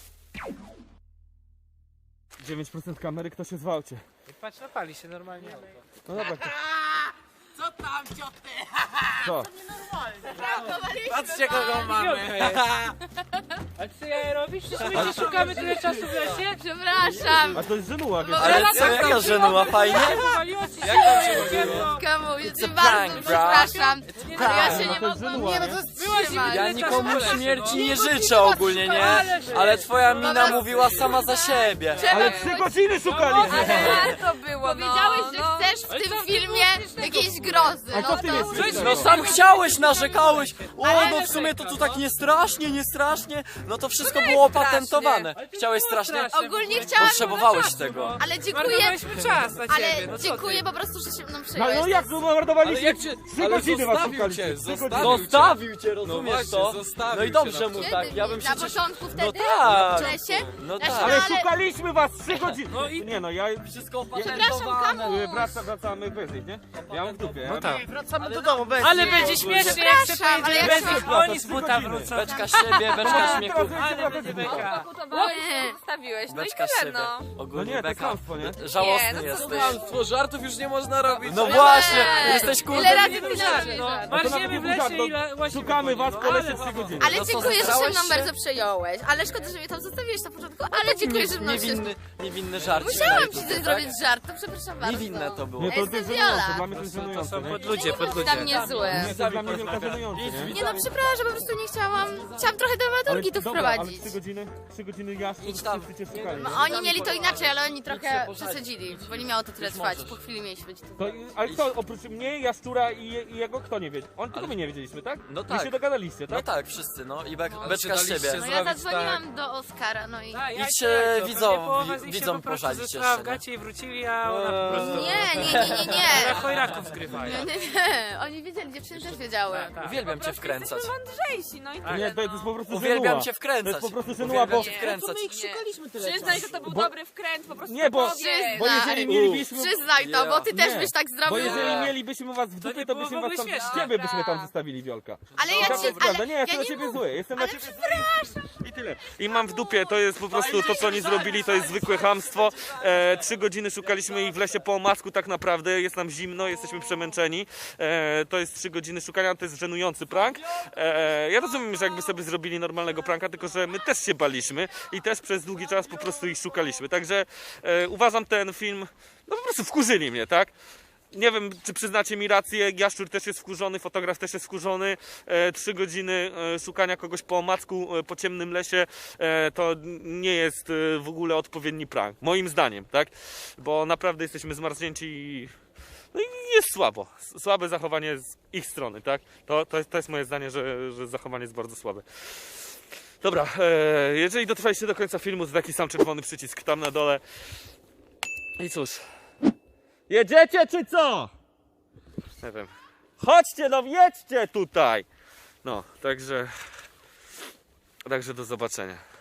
[SPEAKER 1] dziewięć procent kamery, kto się zwałcie.
[SPEAKER 4] I patrz, napali się normalnie auto.
[SPEAKER 1] No dobra. To...
[SPEAKER 9] Co tam, cioty?
[SPEAKER 1] Co?
[SPEAKER 10] Patrzcie kogo mamy.
[SPEAKER 4] A co ja robisz? Przecież my się szukamy tyle czasu w lesie?
[SPEAKER 2] Przepraszam.
[SPEAKER 1] A to jest żenuła, wiesz?
[SPEAKER 5] Ale co, jaka żenuła, fajnie?
[SPEAKER 4] Wywaliło ci się
[SPEAKER 10] Jak tam się bawiło?
[SPEAKER 2] Kamu, ja cię
[SPEAKER 5] a
[SPEAKER 2] bardzo
[SPEAKER 5] prank, bro.
[SPEAKER 2] przepraszam, ale ja się
[SPEAKER 9] No
[SPEAKER 2] nie
[SPEAKER 9] to jest
[SPEAKER 2] mogłam,
[SPEAKER 9] żenuła,
[SPEAKER 2] nie no
[SPEAKER 9] nie?
[SPEAKER 2] to wstrzymać.
[SPEAKER 5] Ja nikomu
[SPEAKER 4] czasu
[SPEAKER 5] śmierci
[SPEAKER 4] leci,
[SPEAKER 5] nie
[SPEAKER 4] no.
[SPEAKER 5] życzę ogólnie, nie? Ale twoja mina
[SPEAKER 2] Dobra.
[SPEAKER 5] mówiła sama za siebie.
[SPEAKER 9] Ale trzy godziny szukaliśmy!
[SPEAKER 6] Ale to było,
[SPEAKER 2] Powiedziałeś,
[SPEAKER 6] no,
[SPEAKER 2] że
[SPEAKER 6] no.
[SPEAKER 2] chcesz w tym filmie jakiejś grozy,
[SPEAKER 9] A
[SPEAKER 2] no
[SPEAKER 9] co w tym
[SPEAKER 2] to...
[SPEAKER 9] jest śmiesznego?
[SPEAKER 5] No sam chciałeś, narzekałeś. O, no w sumie to tu tak nie strasznie, nie strasznie. No to wszystko było opatentowane. Chciałeś strasznie?
[SPEAKER 2] Ogólnie chciałam...
[SPEAKER 5] Potrzebowałeś tego.
[SPEAKER 2] Ale dziękuję,
[SPEAKER 4] Marnowaliśmy czas na ciebie,
[SPEAKER 2] ale
[SPEAKER 4] no co
[SPEAKER 2] dziękuję
[SPEAKER 4] ty?
[SPEAKER 2] po prostu, że się mną
[SPEAKER 9] No,
[SPEAKER 2] przejąłeś.
[SPEAKER 9] no jak
[SPEAKER 2] To
[SPEAKER 9] to
[SPEAKER 2] jest-
[SPEAKER 10] Ale
[SPEAKER 9] mordowaliśmy?
[SPEAKER 10] jak cię,
[SPEAKER 9] Trzy
[SPEAKER 10] ale
[SPEAKER 9] godziny was
[SPEAKER 10] zostawił
[SPEAKER 9] szukaliśmy.
[SPEAKER 10] cię,
[SPEAKER 9] Trzy godziny.
[SPEAKER 10] zostawił cię.
[SPEAKER 5] Zostawił cię,
[SPEAKER 10] No
[SPEAKER 5] rozumiesz
[SPEAKER 10] właśnie,
[SPEAKER 5] to?
[SPEAKER 10] zostawił
[SPEAKER 5] No i
[SPEAKER 10] cię
[SPEAKER 5] dobrze
[SPEAKER 10] na
[SPEAKER 5] mu
[SPEAKER 2] Kiedy
[SPEAKER 5] tak, ja bym
[SPEAKER 2] mi?
[SPEAKER 5] przecież...
[SPEAKER 2] Na początku wtedy?
[SPEAKER 5] tak.
[SPEAKER 2] W lesie?
[SPEAKER 5] No
[SPEAKER 2] Znaczy,
[SPEAKER 5] tak.
[SPEAKER 9] Ale
[SPEAKER 2] ale-
[SPEAKER 9] szukaliśmy was trzy godziny!
[SPEAKER 4] No i-
[SPEAKER 9] Nie no, ja...
[SPEAKER 5] Wszystko
[SPEAKER 2] Przepraszam,
[SPEAKER 5] opatentowane.
[SPEAKER 2] Kamuś.
[SPEAKER 9] Wraca, wracamy bez nich, nie? Ja mam w dupie.
[SPEAKER 4] No tak.
[SPEAKER 9] Wracamy do domu bez
[SPEAKER 4] Ale będzie śmiesznie, jak się
[SPEAKER 2] Przepraszam, ale
[SPEAKER 4] pojedzie
[SPEAKER 2] ja
[SPEAKER 4] bez nich,
[SPEAKER 9] chciałam-
[SPEAKER 4] oni z buta
[SPEAKER 9] godziny.
[SPEAKER 4] wrócą.
[SPEAKER 5] Beczka z siebie, beczka śmiechu.
[SPEAKER 4] Ale będzie beka.
[SPEAKER 6] Pokutowałeś,
[SPEAKER 2] Nie.
[SPEAKER 6] zostawiłeś, no i
[SPEAKER 5] Beczka z
[SPEAKER 6] tyle,
[SPEAKER 5] siebie.
[SPEAKER 6] no.
[SPEAKER 9] No
[SPEAKER 5] Ogólnie
[SPEAKER 9] nie, to jest
[SPEAKER 5] beka.
[SPEAKER 9] kłamstwo, nie?
[SPEAKER 5] Żałosny
[SPEAKER 6] Nie, no co
[SPEAKER 5] jesteś.
[SPEAKER 10] Kłamstwo, żartów już nie można robić.
[SPEAKER 5] No właśnie, jesteś
[SPEAKER 2] Ile
[SPEAKER 5] kurde...
[SPEAKER 2] razy
[SPEAKER 4] Nie
[SPEAKER 2] ty
[SPEAKER 4] był
[SPEAKER 2] żart,
[SPEAKER 4] żart, no.
[SPEAKER 9] to
[SPEAKER 4] Marzymy
[SPEAKER 9] nawet
[SPEAKER 4] w
[SPEAKER 9] nie
[SPEAKER 4] lesie
[SPEAKER 9] żart, no.
[SPEAKER 4] i la- łazimy
[SPEAKER 9] Szukamy
[SPEAKER 4] po nim,
[SPEAKER 9] was
[SPEAKER 4] no.
[SPEAKER 9] po lesie
[SPEAKER 4] Ale
[SPEAKER 9] trzy
[SPEAKER 4] zabawa.
[SPEAKER 9] godziny.
[SPEAKER 2] Ale
[SPEAKER 5] No co,
[SPEAKER 2] dziękuję, że się
[SPEAKER 5] zesrałeś
[SPEAKER 2] mną
[SPEAKER 5] się?
[SPEAKER 2] bardzo przejąłeś. Ale szkoda, że mnie tam zostawiłeś na początku, ale dziękuję, że mną się...
[SPEAKER 5] Niewinny, niewinny żarcik.
[SPEAKER 2] Musiałam
[SPEAKER 5] daj
[SPEAKER 2] ci
[SPEAKER 5] tutaj,
[SPEAKER 2] coś
[SPEAKER 5] tak?
[SPEAKER 2] zrobić żart, to przepraszam bardzo.
[SPEAKER 5] Niewinne to było.
[SPEAKER 9] Nie, to
[SPEAKER 2] Jestem
[SPEAKER 9] jest żenujące,
[SPEAKER 2] Viola.
[SPEAKER 9] dla mnie to jest
[SPEAKER 4] To
[SPEAKER 9] żenujące,
[SPEAKER 4] są
[SPEAKER 9] nie?
[SPEAKER 4] podludzie,
[SPEAKER 2] Dla
[SPEAKER 4] podludzie.
[SPEAKER 2] mnie złe.
[SPEAKER 9] Nie, to jest dla mnie wielka żenujące, nie?
[SPEAKER 2] Nie no, przepraszam, po prostu nie chciałam... Chciałam trochę dramaturgii tu
[SPEAKER 9] dobra, ale
[SPEAKER 2] wprowadzić.
[SPEAKER 9] trzy godziny, trzy godziny jaszczur,
[SPEAKER 5] Idź tam.
[SPEAKER 9] wszyscy cię szukali.
[SPEAKER 2] No, oni mieli to inaczej, ale oni trochę
[SPEAKER 5] posadzić.
[SPEAKER 2] przesadzili, bo nie miało to tyle
[SPEAKER 5] Już
[SPEAKER 2] trwać.
[SPEAKER 5] możesz.
[SPEAKER 2] Po chwili mieliśmy być tu.
[SPEAKER 9] To, ale kto, oprócz mnie, Jaszczura i, je- i jego, kto nie wiedział? On tylko
[SPEAKER 5] Ale-
[SPEAKER 9] my nie wiedzieliśmy, tak?
[SPEAKER 5] No
[SPEAKER 9] Wy
[SPEAKER 5] tak.
[SPEAKER 9] się dogadaliście,
[SPEAKER 5] No
[SPEAKER 9] tak?
[SPEAKER 5] tak, wszyscy, no i bek,
[SPEAKER 10] Ale
[SPEAKER 5] beczka z
[SPEAKER 10] się daliście
[SPEAKER 5] siebie.
[SPEAKER 2] No ja
[SPEAKER 10] zrobić,
[SPEAKER 2] zadzwoniłam do Oskara, no i...
[SPEAKER 4] Tak, ja
[SPEAKER 5] Idźcie
[SPEAKER 4] jak to,
[SPEAKER 5] widzom-
[SPEAKER 4] pewnie połowa z nich się
[SPEAKER 5] widzom
[SPEAKER 4] po prostu
[SPEAKER 5] pożalić
[SPEAKER 4] zesrała w
[SPEAKER 5] jeszcze, nie?
[SPEAKER 4] gacie i wrócili, a ona po prostu...
[SPEAKER 2] Nie, nie, nie, nie, nie.
[SPEAKER 4] Na chojraków zgrywają.
[SPEAKER 2] Nie, nie, nie. Oni wiedzieli, dziewczyny też wiedziały.
[SPEAKER 4] Tak, tak.
[SPEAKER 5] Uwielbiam cię wkręcać.
[SPEAKER 6] Jesteśmy mądrzejsi, no i tyle,
[SPEAKER 9] Nie, to jest
[SPEAKER 6] no.
[SPEAKER 9] po prostu
[SPEAKER 5] Uwielbiam
[SPEAKER 9] żenuła.
[SPEAKER 5] cię
[SPEAKER 9] To
[SPEAKER 5] wkręcać.
[SPEAKER 9] jest po prostu żenuła,
[SPEAKER 5] Uwielbiam
[SPEAKER 9] bo...
[SPEAKER 5] cię wkręcać.
[SPEAKER 9] szukaliśmy tyle
[SPEAKER 6] Przyznaj, że to był
[SPEAKER 5] Bo-
[SPEAKER 6] dobry wkręt, po prostu
[SPEAKER 9] Nie, bo-
[SPEAKER 6] powiedz.
[SPEAKER 9] Bo jeżeli mielibyśmy...
[SPEAKER 2] Przyznaj to, bo ty też
[SPEAKER 9] Nie.
[SPEAKER 2] byś tak
[SPEAKER 9] Bo
[SPEAKER 2] zrobił.
[SPEAKER 9] jeżeli mielibyśmy was w
[SPEAKER 4] To
[SPEAKER 9] dupie,
[SPEAKER 4] nie
[SPEAKER 9] to
[SPEAKER 4] było
[SPEAKER 9] byśmy
[SPEAKER 4] w
[SPEAKER 9] was
[SPEAKER 4] ogóle
[SPEAKER 9] tam...
[SPEAKER 4] śmieszne.
[SPEAKER 9] Ciebie byśmy tam zostawili, Wiolka.
[SPEAKER 2] Ale ja
[SPEAKER 9] Tak
[SPEAKER 2] cię...
[SPEAKER 9] jest prawda.
[SPEAKER 2] Ale
[SPEAKER 9] Nie, ja jestem
[SPEAKER 2] ja
[SPEAKER 9] na
[SPEAKER 2] nie
[SPEAKER 9] ciebie
[SPEAKER 2] mów-
[SPEAKER 9] zły. Jestem na
[SPEAKER 2] Ale
[SPEAKER 9] ciebie
[SPEAKER 2] przepraszam.
[SPEAKER 9] zły i tyle. I mam w dupie, to jest po prostu to, co oni zrobili, to jest zwykłe chamstwo. E, trzy godziny szukaliśmy ich w lesie po omacku tak naprawdę. Jest nam zimno, jesteśmy przemęczeni. E, to jest trzy godziny szukania, to jest żenujący prank. E, ja rozumiem, że jakby sobie zrobili normalnego pranka, tylko że my też się baliśmy i też przez długi czas po prostu ich szukaliśmy. Także e, uważam ten film, no po prostu wkurzyli mnie, tak? Nie wiem, czy przyznacie mi rację, Jaszczur też jest wkurzony, fotograf też jest wkurzony. E, trzy godziny e, szukania kogoś po omacku, e, po ciemnym lesie, e, to nie jest e, w ogóle odpowiedni prank, moim zdaniem, tak? Bo naprawdę jesteśmy zmarznięci i, no i jest słabo. S- Słabe zachowanie z ich strony, tak? To, to, jest, to jest moje zdanie, że, że zachowanie jest bardzo słabe. Dobra, e, jeżeli dotrwaliście do końca filmu, to taki sam czerwony przycisk tam na dole. I cóż... Jedziecie czy co? Nie wiem. Chodźcie, no jedźcie tutaj! No, także... Także do zobaczenia.